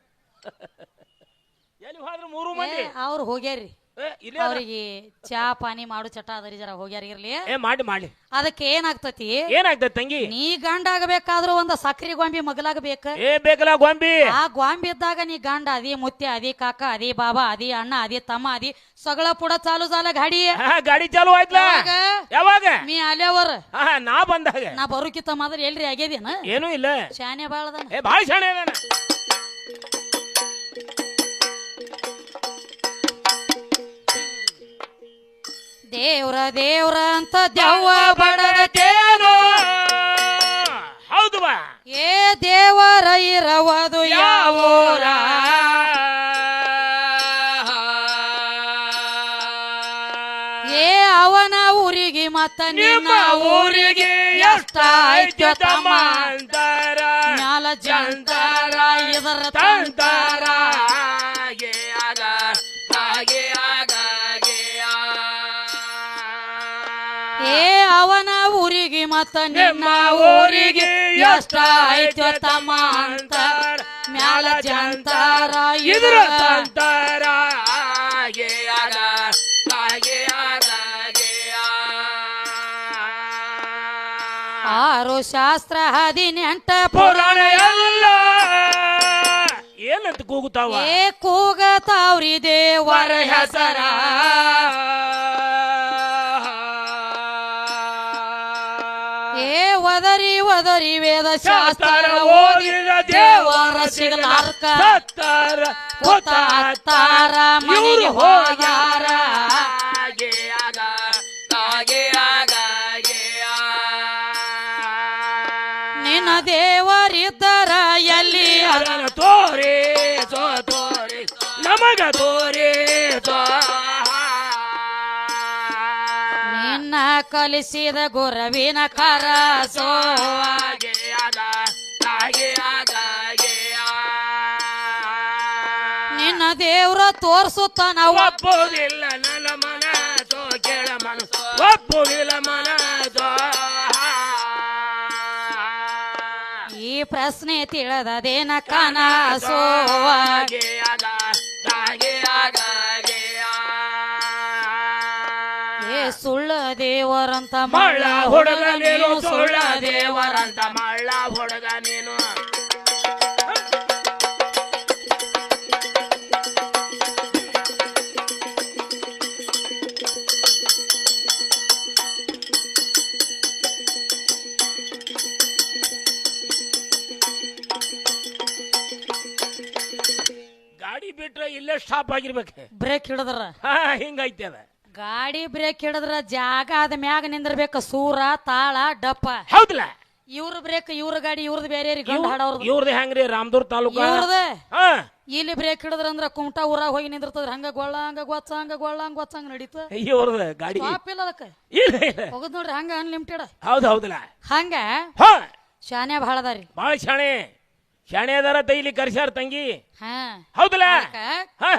B: ಎಲ್ಲಿ ಹೋದ್ರು ಮೂರು ಮಂದಿ
A: ಅವ್ರು ಹೋಗ್ಯಾರಿ ಅವ್ರಿಗೆ ಚಾ ಪಾನಿ ಮಾಡು ಚಟ ಅದರಿ ಜರ ಹೋಗ್ಯಾರ ಇರ್ಲಿ
B: ಏ ಮಾಡಿ ಮಾಡಿ
A: ಅದಕ್ಕೆ ಏನಾಗ್ತತಿ
B: ಏನಾಗ್ತದ ತಂಗಿ
A: ನೀ ಗಂಡ ಆಗಬೇಕಾದ್ರೂ ಒಂದ ಸಕ್ರಿ ಗೊಂಬಿ ಮಗಲಾಗಬೇಕ
B: ಏ ಬೇಕಲ್ಲ ಗೊಂಬಿ
A: ಆ ಗೊಂಬಿ ಇದ್ದಾಗ ನೀ ಗಂಡ ಅದಿ ಮುತ್ಯ ಅದಿ ಕಾಕ ಅದಿ ಬಾಬಾ ಅದಿ ಅಣ್ಣ ಅದಿ ತಮ್ಮ ಅದಿ ಸಗಳ ಪುಡ ಚಾಲು ಚಾಲ ಗಾಡಿ
B: ಗಾಡಿ ಚಾಲು ಆಯ್ತಲ್ಲ ಯಾವಾಗ
A: ನೀ ಅಲ್ಯವರ್
B: ನಾ ಬಂದಾಗ
A: ನಾ ಬರುಕಿತ್ತ ಮಾತ್ರ ಎಲ್ರಿ ಆಗ್ಯದೇನ
B: ಏನೂ ಇಲ್ಲ
A: ಶಾನೆ ಬಾಳದನ
B: ಏ ಬಾಳ ಶಾನೆ ಅದಾನ
A: ದೇವ್ರ ದೇವ್ರ ಅಂತ ದೆವ್ವ ಬಡದಕೇನೋ
B: ಹೌದು ಬಾ
A: ಏ ದೇವರ ಇರವದು ಯಾವೂರ ಏ ಅವನ ಊರಿಗೆ ಮತ್ತ ನಿನ್ನ ಊರಿಗೆ ಎಷ್ಟ ಐತ್ಯ ತಮ್ಮ
B: ಅಂತಾರ
A: ಮ್ಯಾಲ ಜಂತಾರ ಇದರ
B: ತಂತಾರ
A: ಏ ಅವನ ಊರಿಗೆ ಮತ್ತ ನಿನ್ನ ಊರಿಗೆ ಎಷ್ಟ ಐತ್ಯ ತಮ್ಮ ಅಂತಾರ ಮ್ಯಾಲ ಜಂತಾರ
B: ಇದರ ತಂತಾರ ಆರು
A: ಶಾಸ್ತ್ರ ಹದಿನೆಂಟ
B: ಪುರಾಣ ಎಲ್ಲ ಏನಂತ ಕೂಗುತ್ತಾವ
A: ಏ ಕೂಗತಾವ್ರಿ ದೇವರ ಹೆಸರ ಏ ಒದರಿ ಒದರಿ ವೇದ ಶಾಸ್ತ್ರ ಓದಿದ ದೇವರ ಸಿಗಲಾರ್ಕ
B: ಸತ್ತಾರ
A: ಕೂತಾರ ಮನೆಗೆ ಹೋಗ್ಯಾರ ನಿನ್ನ ದೇವರಿದ್ದರ ಎಲ್ಲಿ
B: ಅದನ್ನ ತೋರಿ ಸೋ ತೋರಿ ನಮಗ ತೋರಿ ಸೋ
A: ನಿನ್ನ ಕಲಿಸಿದ ಗುರವಿನ ಕರ ಸೋ ನಿನ್ನ ದೇವ್ರ ತೋರ್ಸುತ್ತಾನ
B: ಒಪ್ಪುವುದಿಲ್ಲ ನನ್ನ ಮನಸೋ ಕೇಳ ಮನಸ್ಸು ಒಪ್ಪುವುದಿಲ್ಲ ಮನಸೋ
A: ಈ ಪ್ರಶ್ನೆ ತಿಳಿದದೇನ ಕನಸೋ ಏ ಸುಳ್ಳ ದೇವರಂತ
B: ಮಳ್ಳ ಹುಡುಗ ನೀನು ಸುಳ್ಳ ದೇವರಂತ ಮಳ್ಳ ಹುಡುಗ ನೀನು ಗಾಡಿ ಬಿಟ್ರೆ ಇಲ್ಲೇ ಸ್ಟಾಪ್ ಆಗಿರ್ಬೇಕು
A: ಬ್ರೇಕ್ ಹಿಡಿದ್ರ
B: ಹಾ ಹಿಂಗೈತೆ ಅದ
A: ಗಾಡಿ ಬ್ರೇಕ್ ಹಿಡಿದ್ರ ಜಾಗ ಆದ ಮ್ಯಾಗ ನಿಂದಿರ್ಬೇಕ ಸೂರ ತಾಳ ಡಪ್ಪ
B: ಹೌದಲ್ಲ
A: ಇವ್ರ ಬ್ರೇಕ್ ಇವ್ರ ಗಾಡಿ ಇವ್ರದ್ ಬೇರೆ ಗಂಡ ಹಾಡವ್ರದ್ದು
B: ಇವ್ರದ್ದು ಹೆಂಗ್ರಿ ರಾಮದೂರ್ ತಾಲೂಕ
A: ಇವ್ರದ
B: ಹಾ
A: ಇಲ್ಲಿ ಬ್ರೇಕ್ ಹಿಡಿದ್ರ ಅಂದ್ರ ಕುಮಟಾ ಊರಾಗ ಹೋಗಿ ನಿಂದಿರ್ತದ್ರ ಹಂಗ ಗೊಳ್ಳ ಹಂಗ ಗೊಚ್ಚ ಹಂಗ ಗೊಳ್ಳ ಹಂಗ ಗೊಚ್ಚ ಹಂಗ ನಡೀತ
B: ಇವ್ರದ ಗಾಡಿ
A: ಸ್ಟಾಪ್ ಇಲ್ಲ ಅದಕ್ಕ
B: ಇಲ್ಲ ಇಲ್ಲ
A: ಹೋಗದ್ ನೋಡ್ರಿ ಹಂಗ ಅನ್ಲಿಮಿಟೆಡ್
B: ಹೌದು ಹೌದಲ್ಲ
A: ಹಂಗ
B: ಹಾ
A: ಶಾನ್ಯ ಬಹಳ ಅದಾರಿ
B: ಬಾಳ ಶಾಣೆ ಶಾಣೆ ಅದಾರ ತೈಲಿ ಕರ್ಸ್ಯಾರ ತಂಗಿ
A: ಹಾ
B: ಹೌದಲ್ಲ
A: ಅದಕ್ಕ
B: ಹಾ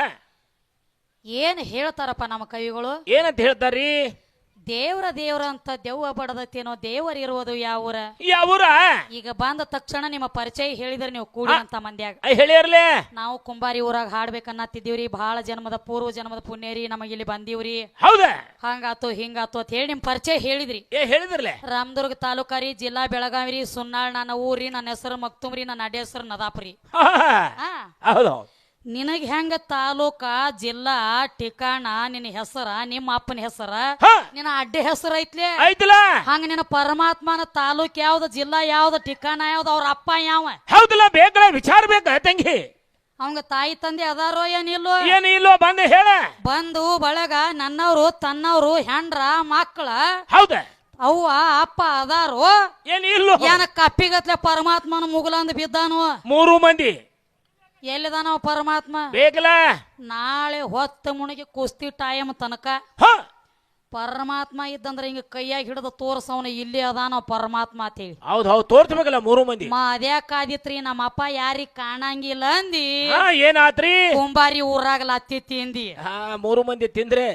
A: ಏನ್ ಹೇಳ್ತಾರಪ್ಪ ನಮ್ಮ ಕವಿಗಳು
B: ಏನಂತ ಹೇಳ್ತಾರ್ರಿ
A: ದೇವ್ರ ದೇವ್ರ ಅಂತ ದೆವ್ವ ಬಡದತ್ತೇನೋ ದೇವರ ಇರುವುದು ಯಾವೂರ
B: ಯಾವೂರ
A: ಈಗ ಬಂದ ತಕ್ಷಣ ನಿಮ್ಮ ಪರಿಚಯ ಹೇಳಿದ್ರೆ ನೀವು ಕೂಡಿ ಅಂತ ಮಂದ್ಯಾಗ
B: ಹೇಳಿರ್ಲೆ
A: ನಾವು ಕುಂಬಾರಿ ಊರಾಗ ಹಾಡ್ಬೇಕನ್ನತ್ತಿದ್ದೀವ್ರಿ ಬಹಳ ಜನ್ಮದ ಪೂರ್ವ ಜನ್ಮದ ಪುಣ್ಯರಿ ನಮಗೆ ಇಲ್ಲಿ ಬಂದೀವ್ರಿ
B: ಹೌದ
A: ಹಂಗಾತು ಹಿಂಗಾತು ಅಂತ ಹೇಳಿ ನಿಮ್ ಪರಿಚಯ ಹೇಳಿದ್ರಿ
B: ಏ ಹೇಳಿದ್ರಲೆ
A: ರಾಮದುರ್ಗ ತಾಲೂಕಾರಿ ಜಿಲ್ಲಾ ಬೆಳಗಾವಿ ರೀ ಸುನ್ನಾಳ್ ನನ್ನ ಊರಿ ನನ್ನ ಹೆಸರು ಮಕ್ತುಮ್ರಿ ನನ್ನ ಅಡ್ಡ ಹೆಸರು ನದಾಪ್ರಿ ಹಾ
B: ಹೌದು
A: ನಿನಗ್ ಹೆಂಗ ತಾಲೂಕ ಜಿಲ್ಲಾ ಠಿಕಾಣ ನಿನ್ನ ಹೆಸರ ನಿಮ್ಮ ಅಪ್ಪನ ಹೆಸರ ನಿನ್ನ ಅಡ್ಡ ಹೆಸರು ಐತ್ಲೆ
B: ಐತಲ್ಲ
A: ಹಂಗ ನಿನ್ನ ಪರಮಾತ್ಮನ ತಾಲೂಕ್ ಯಾವ್ದ ಜಿಲ್ಲಾ ಯಾವ್ದ ಠಿಕಾಣ ಯಾವ್ದ ಅವ್ರ ಅಪ್ಪ ಯಾವ
B: ಹೌದಲ್ಲ ಬೇಕಲ್ಲ ವಿಚಾರ ಬೇಕ ತಂಗಿ
A: ಅವಂಗ ತಾಯಿ ತಂದೆ ಅದಾರೋ ಏನಿಲ್ಲೋ
B: ಏನು ಇಲ್ಲೋ ಬಂದು ಹೇಳ
A: ಬಂದು ಬಳಗ ನನ್ನವ್ರು ತನ್ನವ್ರು ಹೆಂಡ್ರ ಮಕ್ಕಳ
B: ಹೌದ
A: ಅವ್ವ ಅಪ್ಪ ಅದಾರೋ
B: ಏನು ಇಲ್ಲೋ
A: ಏನ ಕಪ್ಪಿಗತ್ಲೆ ಪರಮಾತ್ಮನ ಮುಗುಲಂದ್ ಬಿದ್ದಾನು
B: ಮೂರು ಮಂದಿ
A: ಎಲ್ಲಿದಾನವ ಪರಮಾತ್ಮ
B: ಬೇಕಲ್ಲ
A: ನಾಳೆ ಹೊತ್ತ ಮುಣಿಗೆ ಕುಸ್ತಿ ಟೈಮ್ ತನಕ
B: ಹ
A: ಪರಮಾತ್ಮ ಇದ್ದಂದ್ರ ಹಿಂಗ ಕೈಯಾಗ ಹಿಡಿದು ತೋರ್ಸವನ ಇಲ್ಲಿ ಅದಾನ ಪರಮಾತ್ಮ ಅಂತ ಹೇಳಿ
B: ಹೌದ್ ಹೌದ್ ತೋರ್ಸ್ಬೇಕಲ್ಲ ಮೂರು ಮಂದಿ
A: ಮಾ ಅದ್ಯಾಕಾದಿತ್ರಿ ನಮ್ಮ ಅಪ್ಪ ಯಾರಿಗ್ ಕಾಣಂಗಿಲ್ಲ ಅಂದಿ
B: ಹಾ ಏನಾತ್ರಿ
A: ಕುಂಬಾರಿ ಊರಾಗಲ ಅತ್ತಿ ತಿಂದಿ
B: ಹಾ ಮೂರು ಮಂದಿ ತಿಂದ್ರೆ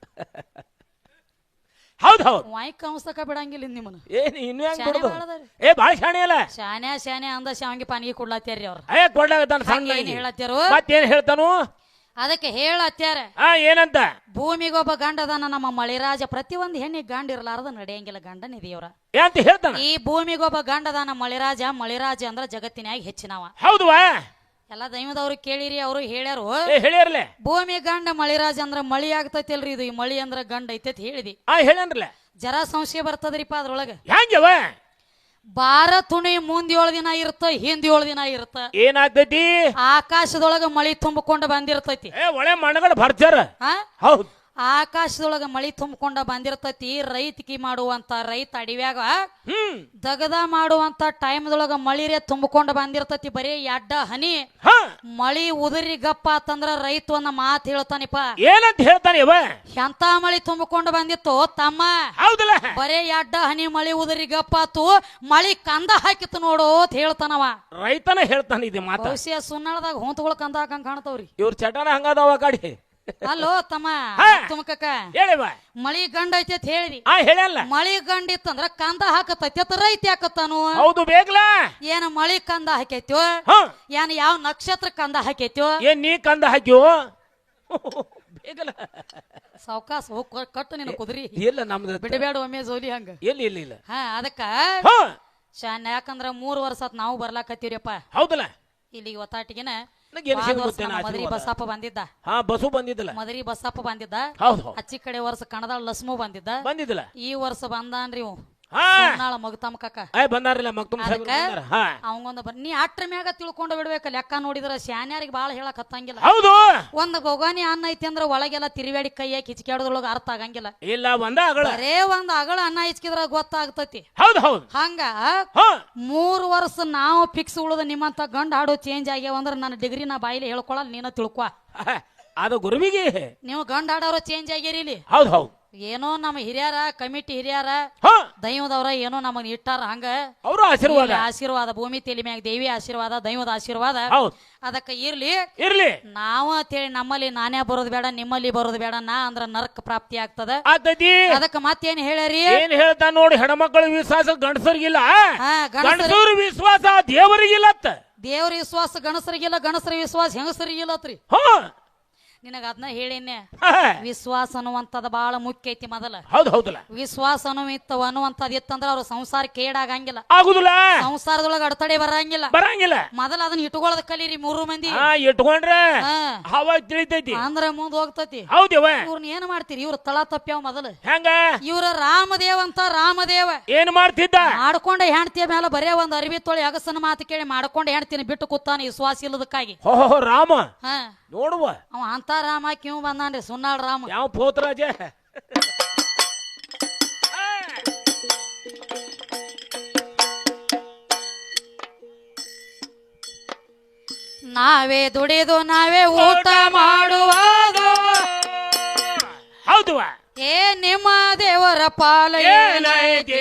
B: ಹೌದ್ ಹೌದ್
A: ವಾಯ್ ಕಂಸಕ ಬಿಡಂಗಿಲ್ಲ ನಿಮ್ಮನ್ನ
B: ಏನ್ ಇನ್ನು ಹೆಂಗ್
A: ಶಾನೆ
B: ಕೊಡುದು
A: ಬಾಳ ಅದಾರಿ.
B: ಏ ಬಾಳ ಶಾಣೆ ಅಲ್ಲ
A: ಶಾನ್ಯಾ ಶಾನ್ಯಾ ಅಂದ ಶಾವಿಗೆ ಪಾನಿಗೆ ಕೊಡ್ಲತ್ಯಾರ್ರಿ ಅವ್ರ
B: ಅಯ್ಯ ಕೊಡ್ಲಾಗತ್ತಾನ ಸಣ್ಣ
A: ಏನ್ ಹೇಳತ್ಯಾರು
B: ಮತ್ತೇನ್ ಹೇಳ್ತಾನು
A: ಅದಕ್ಕೆ ಹೇಳತ್ಯಾರ
B: ಹಾ ಏನಂತ
A: ಭೂಮಿಗೊಬ್ಬ ಗಂಡ ಅದಾನ ನಮ್ಮ ಮಳಿರಾಜ ಪ್ರತಿಯೊಂದು ಹೆಣ್ಣಿಗೆ ಗಂಡ ಇರ್ಲಾರ್ದ ನಡೆಯಂಗಿಲ್ಲ ಗಂಡನ ದೇವ್ರ
B: ಏನಂತ ಹೇಳ್ತಾನ
A: ಈ ಭೂಮಿಗೊಬ್ಬ ಗಂಡ ಅದಾನ ಮಳಿರಾಜ ಮಳಿರಾಜ ಅಂದ್ರ ಜಗತ್ತಿನಾಗ ಹೆಚ್ಚಿನವ
B: ಹೌದವಾ
A: ಎಲ್ಲಾ ದೈವದವ್ರು ಕೇಳಿರಿ ಅವರು ಹೇಳ್ಯಾರು
B: ಏ ಹೇಳಿರ್ಲೆ
A: ಭೂಮಿ ಗಂಡ ಮಳಿರಾಜ ಅಂದ್ರ ಮಳಿ ಆಗ್ತೈತಿಲ್ರಿ ಇದು ಈ ಮಳಿ ಅಂದ್ರ ಗಂಡ ಐತೈತಿ ಹೇಳಿದಿ
B: ಹಾ ಹೇಳನ್ರಲ್ಲ
A: ಜರ ಸಂಶಯ ಬರ್ತದ್ರಿಪ್ಪ ಅದ್ರೊಳಗ
B: ಹೆಂಗವ
A: ಬಾರ ತುಣಿ ಮುಂದ್ ಏಳು ದಿನ ಇರುತ್ತ ಹಿಂದ್ ಏಳು ದಿನ ಇರುತ್ತ
B: ಏನಾಗ್ತೈತಿ
A: ಆಕಾಶದೊಳಗ ಮಳಿ ತುಂಬಿಕೊಂಡ ಬಂದಿರ್ತೈತಿ
B: ಏ ಒಳ್ಳೆ ಮಣ್ಣಗಳು ಭರ್ಜಾರ
A: ಹಾ
B: ಹೌದ್
A: ಆಕಾಶದೊಳಗ ಮಳಿ ತುಂಬಿಕೊಂಡ ಬಂದಿರ್ತೈತಿ ರೈತಕಿ ಮಾಡುವಂತ ರೈತ ಅಡಿವ್ಯಾಗ
B: ಹ್ಮ್
A: ದಗದ ಮಾಡುವಂತ ಟೈಮ್ದೊಳಗ ಮಳಿರೇ ತುಂಬಿಕೊಂಡ ಬಂದಿರ್ತೈತಿ ಬರೀ ಎಡ್ಡ ಹನಿ
B: ಹ
A: ಮಳಿ ಉದುರಿ ಗಪ್ಪ ಅಂತಂದ್ರ ರೈತ ಒಂದ ಮಾತು ಹೇಳ್ತಾನಿಪ್ಪ
B: ಏನಂತ ಹೇಳ್ತಾನೆ ಇವ
A: ಎಂತ ಮಳಿ ತುಂಬಿಕೊಂಡು ಬಂದಿತ್ತು ತಮ್ಮ
B: ಹೌದಲ್ಲ
A: ಬರೇ ಎಡ್ಡ ಹನಿ ಮಳಿ ಉದುರಿ ಗಪ್ಪಾತು ಮಳಿ ಕಂದ ಹಾಕಿತ್ತು ನೋಡು ಅಂತ ಹೇಳ್ತಾನವ
B: ರೈತನ ಹೇಳ್ತಾನೆ ಇದು ಮಾತ
A: ಬಹುಶಃ ಸುನ್ನಾಳದಾಗ ಹೊಂತಗಳು ಕಂದ ಹಾಕಂಗ್ ಕಾಣ್ತಾವ್ರಿ
B: ಇವ್ರ ಚಟನ ಹಂಗದಾವ ಗಾಡಿ
A: ಅಲ್ಲೋ ತಮ್ಮ ತುಮಕಕ್ಕ
B: ಹೇಳಿವ
A: ಮಳಿ ಗಂಡ ಐತಿ ಅಂತ ಹೇಳಿದಿ
B: ಹಾ ಹೇಳಲ್ಲ
A: ಮಳಿ ಗಂಡ ಇತ್ತಂದ್ರ ಕಂದ ಹಾಕತೈತಿ ಅತ್ತ ರೈತ ಯಾಕತ್ತಾನು
B: ಹೌದು ಬೇಕಲ್ಲ
A: ಏನ ಮಳಿ ಕಂದ ಹಾಕೈತ್ಯೋ
B: ಹ
A: ಏನ್ ಯಾವ ನಕ್ಷತ್ರ ಕಂದ ಹಾಕೈತ್ಯೋ
B: ಏನ್ ನೀ ಕಂದ ಹಾಕ್ಯೋ ಬೇಕಲ್ಲ
A: ಸಾವಕಾಶ ಹೋಗ್ ಕಟ್ಟು ನಿನ್ನ ಕುದ್ರಿ
B: ಇಲ್ಲ ನಮ್ದು
A: ಬಿಡಬೇಡ ಒಮ್ಮೆ ಜೋಲಿ ಹಂಗ
B: ಎಲ್ಲಿ ಇಲ್ಲ ಇಲ್ಲ
A: ಹಾ ಅದಕ್ಕ
B: ಹ
A: ಶಾನ್ ಯಾಕಂದ್ರ ಮೂರ್ ವರ್ಷ ಆತ್ ನಾವು ಬರ್ಲಾಕತ್ತೀವ್ರಿಪ್ಪ
B: ಹೌದಲ್ಲ
A: ಇಲ್ಲಿಗೆ ಒತ್ತಾಟಿಗೆನ ಮದರಿ ಬಸಪ್ಪ ಬಂದಿದ್ದ,
B: ಹಾ ಬಸು ಬಂದಿದ್ದಲ್ಲ,
A: ಮದರಿ ಬಸಪ್ಪ ಬಂದಿದ್ದ.
B: ಹೌದು
A: ಅಚ್ಚಿ ಕಡೆ ವರ್ಷ ಕಣದಾಳ ಲಸ್ಮು ಬಂದಿದ್ದ,
B: ಬಂದಿದ್ದಲ್ಲ.
A: ಈ ವರ್ಷ ಬಂದಾನ್ರಿ ಇವ್
B: ಹಾ
A: ಮಗತಮ್ಮ ಕಾಕ
B: ಬಂದಾರಿಲ್ಲ ಮಗ್ತುಮ್
A: ಅವಂಗೊಂದ ನೀ ಅಟ್ರ ಮ್ಯಾಗ ತಿಳ್ಕೊಂಡು ಬಿಡ್ಬೇಕ. ಲೆಕ್ಕ ನೋಡಿದ್ರ ಶಾನ್ಯಾರಿಗೆ ಬಾಳ ಹೇಳಕ್ ಹತ್ತಂಗಿಲ್ಲ.
B: ಹೌದು
A: ಒಂದ್ ಗೊಗಾನಿ ಅನ್ನ ಐತಿ ಅಂದ್ರ ಒಳಗೆಲ್ಲ ತಿರುವಾಡಿ ಕೈಯಾಗ ಕಿಚ್ಕಾಡದ್ರೊಳಗ ಅರ್ಥ ಆಗಂಗಿಲ್ಲ.
B: ಇಲ್ಲ ಒಂದ ಅಗಳ
A: ಬರೇ ಒಂದ್ ಅಗಳ ಅನ್ನ ಇಚ್ಕಿದ್ರ ಗೊತ್ತಾಗ್ತತಿ.
B: ಹೌದು ಹೌದು
A: ಹಂಗ ಮೂರ್ ವರ್ಷ ನಾವು ಫಿಕ್ಸ್ ಉಳಿದ ನಿಮ್ಮಂತ ಗಂಡ ಹಾಡೋ ಚೇಂಜ್ ಆಗ್ಯಾವ ಅಂದ್ರ ನನ್ನ ಡಿಗ್ರಿ ನಾ ಬಾಯಿಲಿ ಹೇಳ್ಕೊಳಲ್ಲ, ನೀನ ತಿಳ್ಕೊ.
B: ಅದು ಗುರುವಿಗೆ
A: ನೀವು ಗಂಡ ಹಾಡೋರು ಚೇಂಜ್ ಆಗ್ಯಾರಿ ಇಲ್ಲಿ.
B: ಹೌದು ಹೌದು
A: ಏನೋ ನಮ್ಮ ಹಿರಿಯರ ಕಮಿಟಿ ಹಿರಿಯರ ದೈವದವ್ರ ಏನೋ ನಮಗ್ ಇಟ್ಟಾರ, ಹಂಗ
B: ಅವ್ರ ಆಶೀರ್ವಾದ
A: ಆಶೀರ್ವಾದ ಭೂಮಿ ತಲೆ ಮ್ಯಾಗ ದೇವಿ ಆಶೀರ್ವಾದ ದೈವದ ಆಶೀರ್ವಾದ ಅದಕ್ಕ ಇರ್ಲಿ
B: ಇರ್ಲಿ.
A: ನಾವು ಅಂತೇಳಿ ನಮ್ಮಲ್ಲಿ ನಾನೇ ಬರೋದು ಬೇಡ, ನಿಮ್ಮಲ್ಲಿ ಬರೋದು ಬೇಡ, ನಾ ಅಂದ್ರ ನರಕ ಪ್ರಾಪ್ತಿ ಆಗ್ತದ. ಅದಕ್ಕ ಮತ್ತೇನ್ ಹೇಳ್ಯಾರಿ?
B: ಏನ್ ಹೇಳ್ತಾ ನೋಡಿ, ಹೆಣ್ಮಕ್ಳ ವಿಶ್ವಾಸ ಗಂಡಸರಿಗಿಲ್ಲ, ಗಂಡಸರ ವಿಶ್ವಾಸ ದೇವರಿಗಿಲ್ಲ.
A: ದೇವ್ರ ವಿಶ್ವಾಸ ಗಣಸರಿಗಿಲ್ಲ, ಗಣಸರ ವಿಶ್ವಾಸ ಹೆಂಗಸರಿಗಿಲ್ಲತ್ರಿ. ನಿನಗ ಅದನ್ನ ಹೇಳಿನ್ನೆ, ವಿಶ್ವಾಸ ಅನ್ನುವಂಥದ್ ಬಹಳ ಮುಖ್ಯ ಐತಿ. ಮೊದಲ
B: ಹೌದು ಹೌದಲ್ಲ,
A: ವಿಶ್ವಾಸ ಅನ್ನುವಂತ ಅನ್ನುವಂಥದ್ ಇತ್ತಂದ್ರ ಅವ್ರ ಸಂಸಾರ ಕೇಡಾಗಂಗಿಲ್ಲ,
B: ಆಗುದಿಲ್ಲ,
A: ಸಂಸಾರದೊಳಗ ಅಡತಡೆ ಬರಂಗಿಲ್ಲ
B: ಬರಂಗಿಲ್ಲ.
A: ಮೊದಲ ಅದನ್ನ ಇಟ್ಕೊಳ್ಳೋದ್ ಕಲೀರಿ ಮೂರು ಮಂದಿ.
B: ಇಟ್ಕೊಂಡ್ರೆ ಹವಾ ತಿಳಿತೈತಿ
A: ಅಂದ್ರ ಮುಂದ್ ಹೋಗ್ತತಿ.
B: ಹೌದವ
A: ಇವ್ರನ್ನ ಏನ್ ಮಾಡ್ತೀರಿ? ಇವ್ರ ತಳ ತಪ್ಪ್ಯಾವ ಮೊದಲು.
B: ಹೆಂಗ?
A: ಇವ್ರ ರಾಮದೇವ್ ಅಂತ ರಾಮದೇವ
B: ಏನ್ ಮಾಡ್ತಿದ್ದ?
A: ಮಾಡ್ಕೊಂಡ ಹೆಣ್ತಿಯ ಮೇಲೆ ಬರೇ ಒಂದ್ ಅರಿವಿ ತೊಳಿ ಅಗಸನ ಮಾತು ಕೇಳಿ ಮಾಡ್ಕೊಂಡ ಹೆಣ್ತಿನ ಬಿಟ್ಟು ಕೂತಾನ ವಿಶ್ವಾಸ ಇಲ್ಲದಕ್ಕಾಗಿ.
B: ಓಹೋ ರಾಮ
A: ಹ
B: ನೋಡುವ
A: ಅವ ಅಂತ ರಾಮ ಕಿವ್ ಬಂದಾನ್ರಿ ಸುನ್ನಾಳ್ ರಾಮ.
B: ಯಾವ ಪೋತ್ರಾಜ
A: ನಾವೇ ದುಡಿದು ನಾವೇ ಊಟ ಮಾಡುವುದು.
B: ಹೌದು
A: ಏ ನಿಮ್ಮ ದೇವರ ಪಾಲ
B: ಏನೈತಿ?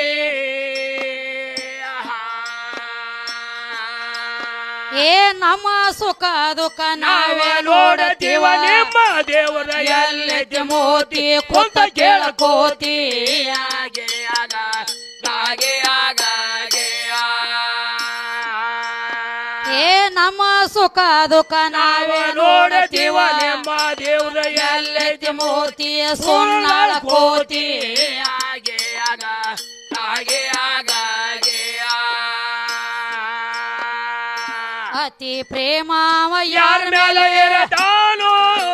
A: ಏ ನಮ್ಮ ಸುಖ ದುಃಖ
B: ನಾವೇ ನೋಡತೀವ. ನಿಮ್ಮ ದೇವರ ಎಲ್ಲೈತಿ ಮೋತಿ ಕುಂತ ಕೇಳಕೋತಿ. ಹಾಗೆ ಆಗ ಹಾಗೆ ಆಗ
A: ಏ ನಮ್ಮ ಸುಖ ದುಃಖ ನಾವೇ
B: ನೋಡತೀವ. ನಿಮ್ಮ ದೇವರ ಎಲ್ಲೈತಿ
A: ಮೋತಿ ಸುನ್ನಾಳ ಕೋತಿ.
B: ಹಾಗೆ ಆಗ ಹಾಗೆ ಆಗ
A: ಅತಿ ಪ್ರೇಮಾವ
B: ಯಾರ ಮೇಲೆ ಇರತಾನೋ.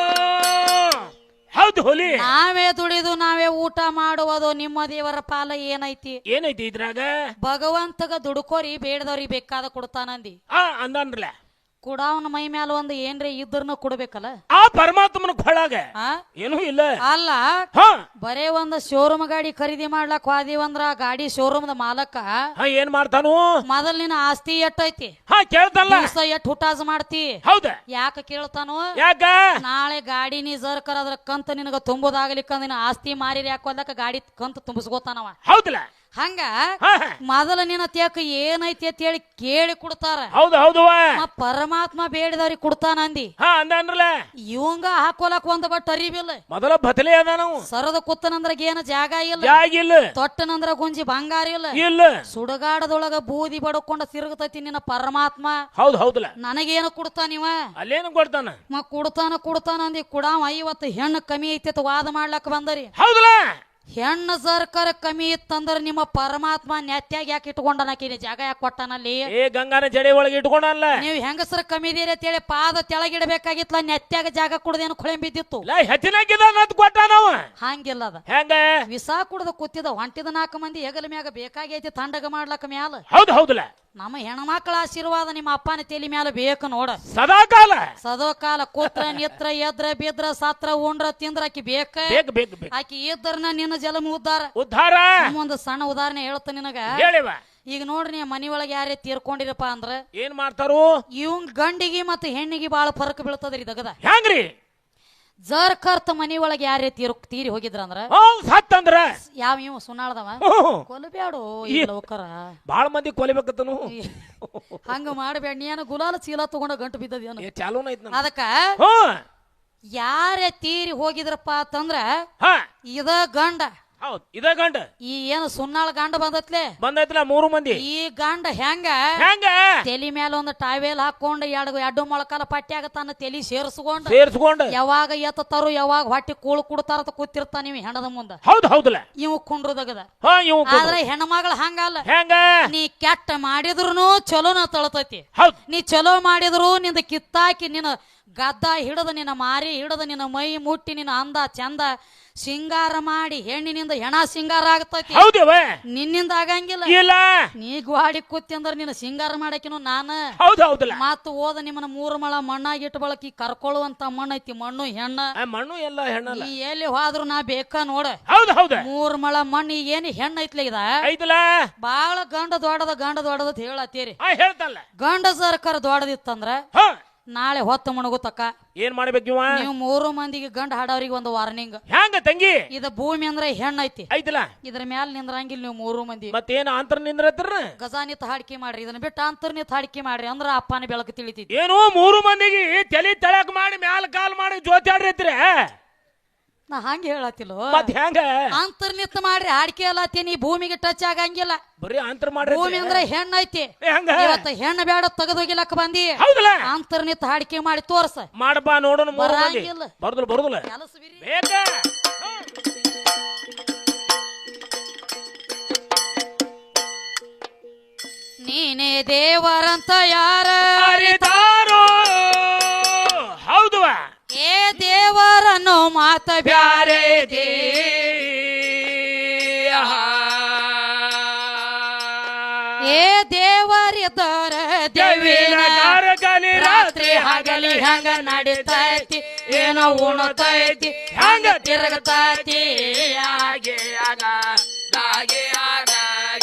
B: ಹೌದು ಹುಲಿ,
A: ನಾವೇ ದುಡಿದು ನಾವೇ ಊಟ ಮಾಡುವುದು. ನಿಮ್ಮ ದೇವರ ಪಾಲ ಏನೈತಿ?
B: ಏನೈತಿ ಇದ್ರಾಗ?
A: ಭಗವಂತಗ ದುಡ್ಕೋರಿ ಬೇಡದವ್ರಿಗೆ ಬೇಕಾದ ಕೊಡ್ತಾನಂದಿ.
B: ಆ ಅಂದನ್ರಲ್ಲ,
A: ಕುಡಾವನ ಮೈ ಮ್ಯಾಲ ಒಂದು ಏನ್ರಿ ಇದ್ರನು ಕೊಡ್ಬೇಕಲ್ಲ.
B: ಆ ಪರಮಾತ್ಮನ ಕೊಳಾಗ ಏನೂ ಇಲ್ಲ.
A: ಅಲ್ಲ ಬರೇ ಒಂದ್ ಶೋರೂಮ್ ಗಾಡಿ ಖರೀದಿ ಮಾಡ್ಲಕ್ ಹೋದಿವಂದ್ರ ಗಾಡಿ ಶೋರೂಮ್ ದ ಮಾಲಕ
B: ಏನ್ ಮಾಡ್ತಾನು?
A: ಮೊದಲ್ ನಿನ್ನ ಆಸ್ತಿ ಎಟ್ಟೈತಿ
B: ಹಾ ಕೇಳ್ತಾನ,
A: ಎಟ್ ಹುಟಾಜ್ ಮಾಡ್ತಿ.
B: ಹೌದ
A: ಯಾಕ ಕೇಳ್ತಾನು?
B: ಯಾಕ?
A: ನಾಳೆ ಗಾಡಿ ನೀ ಜರ್ಕರ ಅದ್ರ ಕಂತ ನಿನಗ ತುಂಬುದಾಗ್ಲಿಕ್ಕ ನಿನ್ನ ಆಸ್ತಿ ಮಾರಿ ಯಾಕೋದಕ್ಕ ಗಾಡಿ ಕಂತ ತುಂಬಿಸ್ಕೋತಾನವ.
B: ಹೌದಲ್ಲ,
A: ಹಂಗ ಮೊದಲ ನಿನ್ನ ತೇಕ ಏನೈತಿ ಅಂತ ಹೇಳಿ ಕೇಳಿ ಕೊಡ್ತಾರ.
B: ಹೌದು ಹೌದು,
A: ಪರಮಾತ್ಮ ಬೇಡಿದವ್ರಿಗೆ ಕೊಡ್ತಾನಂದಿ.
B: ಹಾ ಅಂದನ್ರಲ್ಲ,
A: ಇವಂಗ ಹಾಕೋಲಕ್ ಒಂದ್ ಬಟ್ ಅರಿವಿಲ್ಲ.
B: ಮೊದಲ ಬದಲೇ ಅದ ನಾವು.
A: ಸರದ ಕುತ್ತನಂದ್ರ ಏನ ಜಾಗ ಇಲ್ಲ,
B: ಜಾಗ ಇಲ್ಲ.
A: ತೊಟ್ಟನಂದ್ರ ಗುಂಜಿ ಬಂಗಾರ ಇಲ್ಲ
B: ಇಲ್ಲ.
A: ಸುಡಗಾಡದೊಳಗ ಬೂದಿ ಬಡ್ಕೊಂಡ ತಿರುಗತೈತಿ ನಿನ್ನ ಪರಮಾತ್ಮ.
B: ಹೌದು ಹೌದಲ್ಲ,
A: ನನಗೇನು ಕೊಡ್ತಾನಿವ?
B: ಅಲ್ಲೇನು ಕೊಡ್ತಾನ?
A: ಮ ಕೊಡ್ತಾನ ಕೊಡ್ತಾನ ಅಂದಿ. ಕುಡಾವ ಐವತ್ತು ಹೆಣ್ಣು ಕಮ್ಮಿ ಐತಿ ವಾದ ಮಾಡ್ಲಕ್ ಬಂದರಿ.
B: ಹೌದಲ್ಲ,
A: ಹೆಣ್ಣು ಸರ್ಕಾರ ಕಮ್ಮಿ ಇತ್ತಂದ್ರ ನಿಮ್ಮ ಪರಮಾತ್ಮ ನೆತ್ಯಾಗ ಯಾಕೆ ಇಟ್ಕೊಂಡನಕಿನ ಜಾಗ ಯಾಕೆ ಕೊಟ್ಟಾನಲ್ಲಿ?
B: ಏ ಗಂಗಾನ ಜಡೆ ಒಳಗೆ ಇಟ್ಕೊಂಡಲ್ಲ.
A: ನೀವು ಹೆಂಗಸರ ಕಮ್ಮಿ ಇದೀರಿ ಅಂತ ಹೇಳಿ ಪಾದ ತೆಳಗಿಡಬೇಕಾಗಿತ್ತಲ್ಲ, ನೆತ್ಯಾಗ ಜಾಗ ಕುಡ್ದೇನು ಕೊಳೆ ಬಿದ್ದಿತ್ತು. ಹಂಗಿಲ್ಲ ಅದ.
B: ಹೆಂಗ?
A: ವಿಸಾ ಕುಡ್ದ ಕೂತಿದ ಹೊಂಟಿದ ನಾಲ್ಕು ಮಂದಿ ಹೆಗಲ ಮ್ಯಾಗ ಬೇಕಾಗೈತಿ ತಂಡಗ ಮಾಡ್ಲಕ್ಕ ಮ್ಯಾಲ.
B: ಹೌದು ಹೌದಲ್ಲ,
A: ನಮ್ಮ ಹೆಣ್ಮಕ್ಳ ಆಶೀರ್ವಾದ ನಿಮ್ಮ ಅಪ್ಪನ ತಲೆ ಮ್ಯಾಲ ಬೇಕು ನೋಡ.
B: ಸದಾಕಾಲ
A: ಸದೋಕಾಲ ಕೂತ್ರ ನಿತ್ರ ಎದ್ರ ಬಿದ್ರ ಸತ್ರ ಉಂಡ್ರ ತಿಂದ್ರ ಆಕಿ ಬೇಕ. ಆಕಿ ಇದ್ರನ ನಿನ್ನ ಜಲಮ ಉದ್ದಾರ
B: ಉದ್ದಾರ.
A: ಒಂದು ಸಣ್ಣ ಉದಾಹರಣೆ ಹೇಳ್ತ ನಿನಗ.
B: ಹೇಳಿವ.
A: ಈಗ ನೋಡ್ರಿ ನೀ ಮನಿ ಒಳಗೆ ಯಾರೇ ತೀರ್ಕೊಂಡಿರಪ್ಪ ಅಂದ್ರ
B: ಏನ್ ಮಾಡ್ತಾರು?
A: ಇವಂಗ್ ಗಂಡಿಗೆ ಮತ್ತ ಹೆಣ್ಣಿಗೆ ಬಾಳ ಫರಕ್ ಬೀಳ್ತದ್ರಿ ದಗದ.
B: ಹೆಂಗ್ರಿ?
A: ಜರ್ ಕರ್ತ ಮನಿ ಒಳಗೆ ಯಾರೇ ತೀರ್ ತೀರಿ ಹೋಗಿದ್ರ ಅಂದ್ರ
B: ಸತ್ತಂದ್ರ
A: ಯಾವ ಇವ ಸುನಾಳ್ದವ ಕೊಲಬ್ಯಾಡು ಲೋಕರ
B: ಬಾಳ ಮಂದಿ ಕೊಲಿಬೇಕತ್ತನು.
A: ಹಂಗ ಮಾಡಬೇಡ. ನೀನು ಗುಲಾಲ ಚೀಲ ತಗೊಂಡ ಗಂಟು ಬಿದ್ದದೇನು
B: ಚಾಲೂನ ಐತ್.
A: ಅದಕ್ಕ ಯಾರೇ ತೀರಿ ಹೋಗಿದ್ರಪ್ಪ ಅಂತಂದ್ರ ಇದ ಗಂಡ
B: ಹೌದ್ ಇದ ಗಂಡ
A: ಈ ಏನು ಸುನ್ನಾಳ ಗಂಡ ಬಂದತ್ಲೆ
B: ಬಂದೈತ್ಲ ಮೂರು ಮಂದಿ.
A: ಈ ಗಂಡ ಹೆಂಗ
B: ಹೆಂಗ
A: ತೆಲಿ ಮೇಲೆ ಒಂದು ಟಾವೇಲ್ ಹಾಕೊಂಡ್ ಎರಡು ಎರಡು ಮೊಳಕಾಲ ಪಟ್ಟ್ಯಾಗ ತನ್ನ ತೆಲಿ ಸೇರ್ಸ್ಕೊಂಡ್
B: ಸೇರ್ಸ್ಕೊಂಡ್
A: ಯಾವಾಗ ಎತ್ತತಾರು ಯಾವಾಗ ಹೊಟ್ಟಿ ಕೂಳು ಕುಡ್ತಾರ ಕೂತಿರ್ತಾನ ನೀವು ಹೆಣದ ಮುಂದ.
B: ಹೌದ್ ಹೌದಲ್ಲ
A: ಇವ್ ಕುಂಡ್ರದಗದ. ಆದ್ರೆ ಹೆಣ್ಮಗಳ ಹಂಗಲ್ಲ.
B: ಹೆಂಗ
A: ನೀ ಕೆಟ್ಟ ಮಾಡಿದ್ರುನು ಚಲೋನ ತಳತೈತಿ.
B: ಹೌದ್
A: ನೀ ಚಲೋ ಮಾಡಿದ್ರು ನಿಂದ ಕಿತ್ತಾಕಿ ನಿನ್ನ ಗದ್ದ ಹಿಡದ ನಿನ್ನ ಮಾರಿ ಹಿಡದ ನಿನ್ನ ಮೈ ಮುಟ್ಟಿ ನಿನ್ನ ಅಂದ ಚಂದ ಸಿಂಗಾರ ಮಾಡಿ ಹೆಣ್ಣಿನಿಂದ ಹೆಣ ಸಿಂಗಾರ ಆಗ್ತೈತಿ.
B: ಹೌದವ
A: ನಿನ್ನಿಂದ ಆಗಂಗಿಲ್ಲ.
B: ಇಲ್ಲ
A: ನೀ ಗ್ವಾಡಿ ಕೂತಿ ಅಂದ್ರ ನಿನ್ನ ಸಿಂಗಾರ ಮಾಡಕಿನು ನಾನ.
B: ಹೌದ್ ಹೌದಲ್ಲ
A: ಮತ್ತ ಓದ ನಿಮ್ಮನ್ನ ಮೂರು ಮಳ ಮಣ್ಣಾಗಿ ಇಟ್ಟು ಬಳಕಿ ಕರ್ಕೊಳ್ಳುವಂತ ಮಣ್ಣು ಐತಿ. ಮಣ್ಣು ಹೆಣ್ಣ
B: ಮಣ್ಣು ಎಲ್ಲ ಹೆಣ್ಣಲ್ಲ.
A: ನೀ ಎಲ್ಲಿ ಹೋದ್ರು ನಾ ಬೇಕಾ ನೋಡ.
B: ಹೌದ್ ಹೌದ
A: ಮೂರ್ ಮಳ ಮಣ್ಣು ಏನ್ ಹೆಣ್ಣ ಐತ್ಲ ಇದ
B: ಐತಲ್ಲ.
A: ಬಾಳ ಗಂಡ ದೊಡ್ಡದ ಗಂಡ ದೊಡ್ಡದ ಹೇಳತ್ತೀರಿ.
B: ಹೇಳ್ತಲ್ಲ
A: ಗಂಡ ಸರ್ಕಾರ ದೊಡ್ಡದಿತ್ತಂದ್ರ ನಾಳೆ ಹೊತ್ತು ಮುಣಗುತ್ತಕ್ಕ
B: ಏನ್ ಮಾಡ್ಬೇಕು
A: ನೀವು ಮೂರು ಮಂದಿಗೆ ಗಂಡ ಹಾಡವ್ರಿಗೆ ಒಂದು ವಾರ್ನಿಂಗ್.
B: ಹೆಂಗ ತಂಗಿ
A: ಇದ ಭೂಮಿ ಅಂದ್ರೆ ಹೆಣ್ಣ ಐತಿ
B: ಐತಲ್ಲ.
A: ಇದ್ರ ಮ್ಯಾಲ ನಿಂದ್ರಂಗಿಲ್ಲ ನೀವು ಮೂರು ಮಂದಿ.
B: ಮತ್ತೇನ ಅಂತರ ನಿಂದ್ರತ್ರ
A: ಗಜಾನಿತ್ ಹಾಡಿಕೆ ಮಾಡ್ರಿ. ಇದನ್ನ ಬಿಟ್ಟು ಅಂತರ್ನಿತ್ ಹಾಡಿಕೆ ಮಾಡ್ರಿ ಅಂದ್ರ ಅಪ್ಪನ ಬೆಳಕು ತಿಳಿತೈತಿ.
B: ಏನು ಮೂರು ಮಂದಿಗೆ ತಲೆ ತಳಕ್ ಮಾಡಿ ಮ್ಯಾಲ ಕಾಲ್ ಮಾಡಿ ಜೋತಿ ಆಡ್ರಿ.
A: ನಾ ಹಂಗ ಹೇಳತ್ತಿಲ್ಲ.
B: ಮತ್ ಹೆಂಗ
A: ಅಂತರ್ನಿತ್ ಮಾಡ್ರಿ ಹಾಡಿಕೆ ಅಲ್ಲತ್ತೀನಿ. ಭೂಮಿಗೆ ಟಚ್ ಆಗಂಗಿಲ್ಲ.
B: ಬರೀ ಅಂತರ ಮಾಡ್ರಿ.
A: ಭೂಮಿ ಅಂದ್ರೆ ಹೆಣ್ಣ ಐತಿ.
B: ಹೆಂಗ
A: ಇವತ್ತ ಹೆಣ್ಣ ಬೇಡ ತೆಗೆದೋಗಿಲಕ್ಕ ಬಂದಿ.
B: ಹೌದಲ್ಲ
A: ಅಂತರ್ನಿತ್ ಹಾಡಿಕೆ ಮಾಡಿ ತೋರ್ಸ.
B: ಮಾಡಬಾ ನೋಡೋಣ.
A: ಬರಂಗಿಲ್ಲ.
B: ಬರುದಿಲ್ಲ ಬರುದಿಲ್ಲ ಬೇಕ.
A: ನೀನೇ ದೇವರಂತ ಯಾರ
B: ಅರಿತಾರೋ. ಹೌದು
A: ಏ ದೇವರನ್ನು ಮಾತ ಬ್ಯಾರೆ ದೇ. ಏ ದೇವರಿದ್ದರ ದೇವಿನ
B: ಕಾರ್ಗಲಿ
A: ರಾತ್ರಿ ಹಗಲಿ ಹೆಂಗ ನಡಿತೈತಿ ಏನೋ ಉಣತೈತಿ ಹೆಂಗ ತಿರುಗತೈತಿ.
B: ಹಾಗೆ ಆಗ ಹಾಗೆ ಆಗ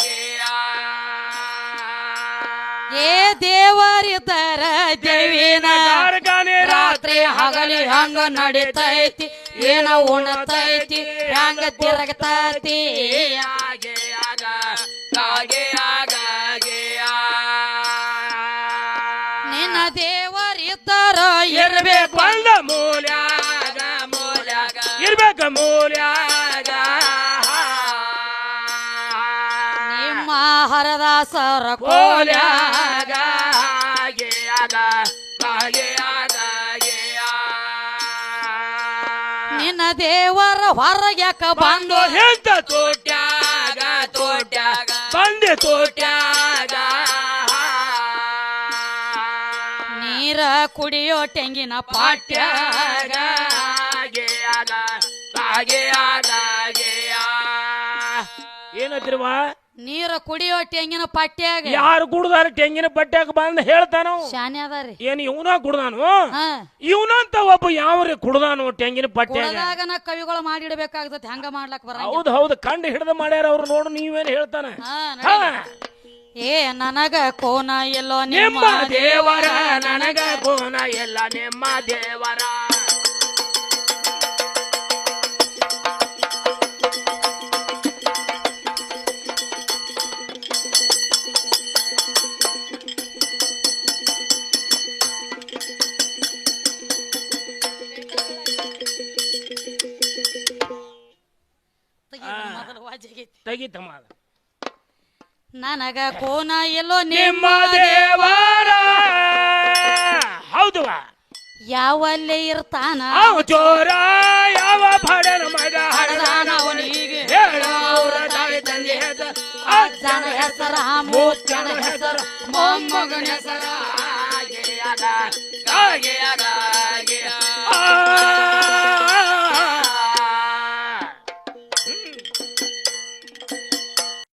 A: ಏ ದೇವರಿದ್ದರ ದೇವಿನ
B: ಕಾರ್ಗಲಿ
A: ರಾತ್ರಿ ಹಗಲಿ ಹಂಗ ನಡಿತೈತಿ ಏನೋ ಉಣತೈತಿ ಹೆಂಗ ತಿರುಗತೈತಿ.
B: ಹಾಗೆ ಆಗ ಹಾಗೆ ಆಗ
A: ನಿನ್ನ ದೇವರಿದ್ದರ ಇರ್ಬೇಕು
B: ಬಂದ ಮೂಲ್ಯಾಗ ಮೂಲ್ಯಾಗ ಇರ್ಬೇಕ ಮೂಲ್ಯಾಗ.
A: ನಿಮ್ಮ ಹರದಾಸರ
B: ಕೋಲ್ಯಾಗ ಹಾಗೆ ಆಗ ಹಾಗೆ ಆಗ
A: ನಿನ್ನ ದೇವರ ಹೊರಗ್ಯಾಕ ಬಂದು
B: ಎಂತ ತೋಟ್ಯಾಗ ತೋಟ್ಯಾಗ ಬಂದೆ ತೋಟ್ಯಾಗ.
A: ನೀರ ಕುಡಿಯೋ ತೆಂಗಿನ
B: ಪಾಟ್ಯಾಗ ಹಾಗೆ ಆಗ ಹಾಗೆ ಆಗ ಏನತ್ತಿರುವ
A: ನೀರ ಕುಡಿಯೋ ತೆಂಗಿನ ಪಟ್ಟ್ಯಾಗ
B: ಯಾರು ಕುಡ್ದಾರ ತೆಂಗಿನ ಪಟ್ಟ್ಯಾಗ ಬಂದ ಹೇಳ್ತಾನ.
A: ಶಾನೆ ಅದಾರಿ.
B: ಏನ್ ಇವನ ಕುಡ್ದಾನು ಇವನಂತ ಒಬ್ಬ ಯಾವ್ರಿ ಕುಡ್ದಾನು ತೆಂಗಿನ ಪಟ್ಟ್ಯಾಗ.
A: ನಾ ಕವಿಗಳು ಮಾಡಿಡ್ಬೇಕಾಗ್ತತಿ ಹಂಗ ಮಾಡ್ಲಕ್ ಬರ.
B: ಹೌದ್ ಹೌದು ಕಂಡು ಹಿಡ್ದ ಮಾಡ್ಯಾರ ಅವ್ರು. ನೋಡು ನೀವೇನ್ ಹೇಳ್ತಾನ.
A: ಏ ನನಗ ಕೋನ ಎಲ್ಲೋ
B: ನಿಮ್ಮ ದೇವರ ನನಗ ಕೋನ ಎಲ್ಲ ನಿಮ್ಮ ದೇವರ. ತೆಗಿತಮ್ಮ
A: ನನಗ ಕೋನ ಎಲ್ಲೋ
B: ನಿಮ್ಮ ದೇವರ. ಹೌದು
A: ಯಾವಲ್ಲೇ ಇರ್ತಾನ
B: ಚೋರ ಯಾವ ಬಡನ ಮಗ
A: ಹಡದಾನ ಅವನಿಗೆ
B: ಹೇಳೋರ ತಾಯಿ ತಂದೆ ಹೆಸರ
A: ಅಜ್ಜನ ಹೆಸರ ಮೂತ್ತನ ಹೆಸರ ಮೊಮ್ಮಗನ ಹೆಸರ
B: ಹಾಗೆ ಆಗ ಹಾಗೆ ಆಗ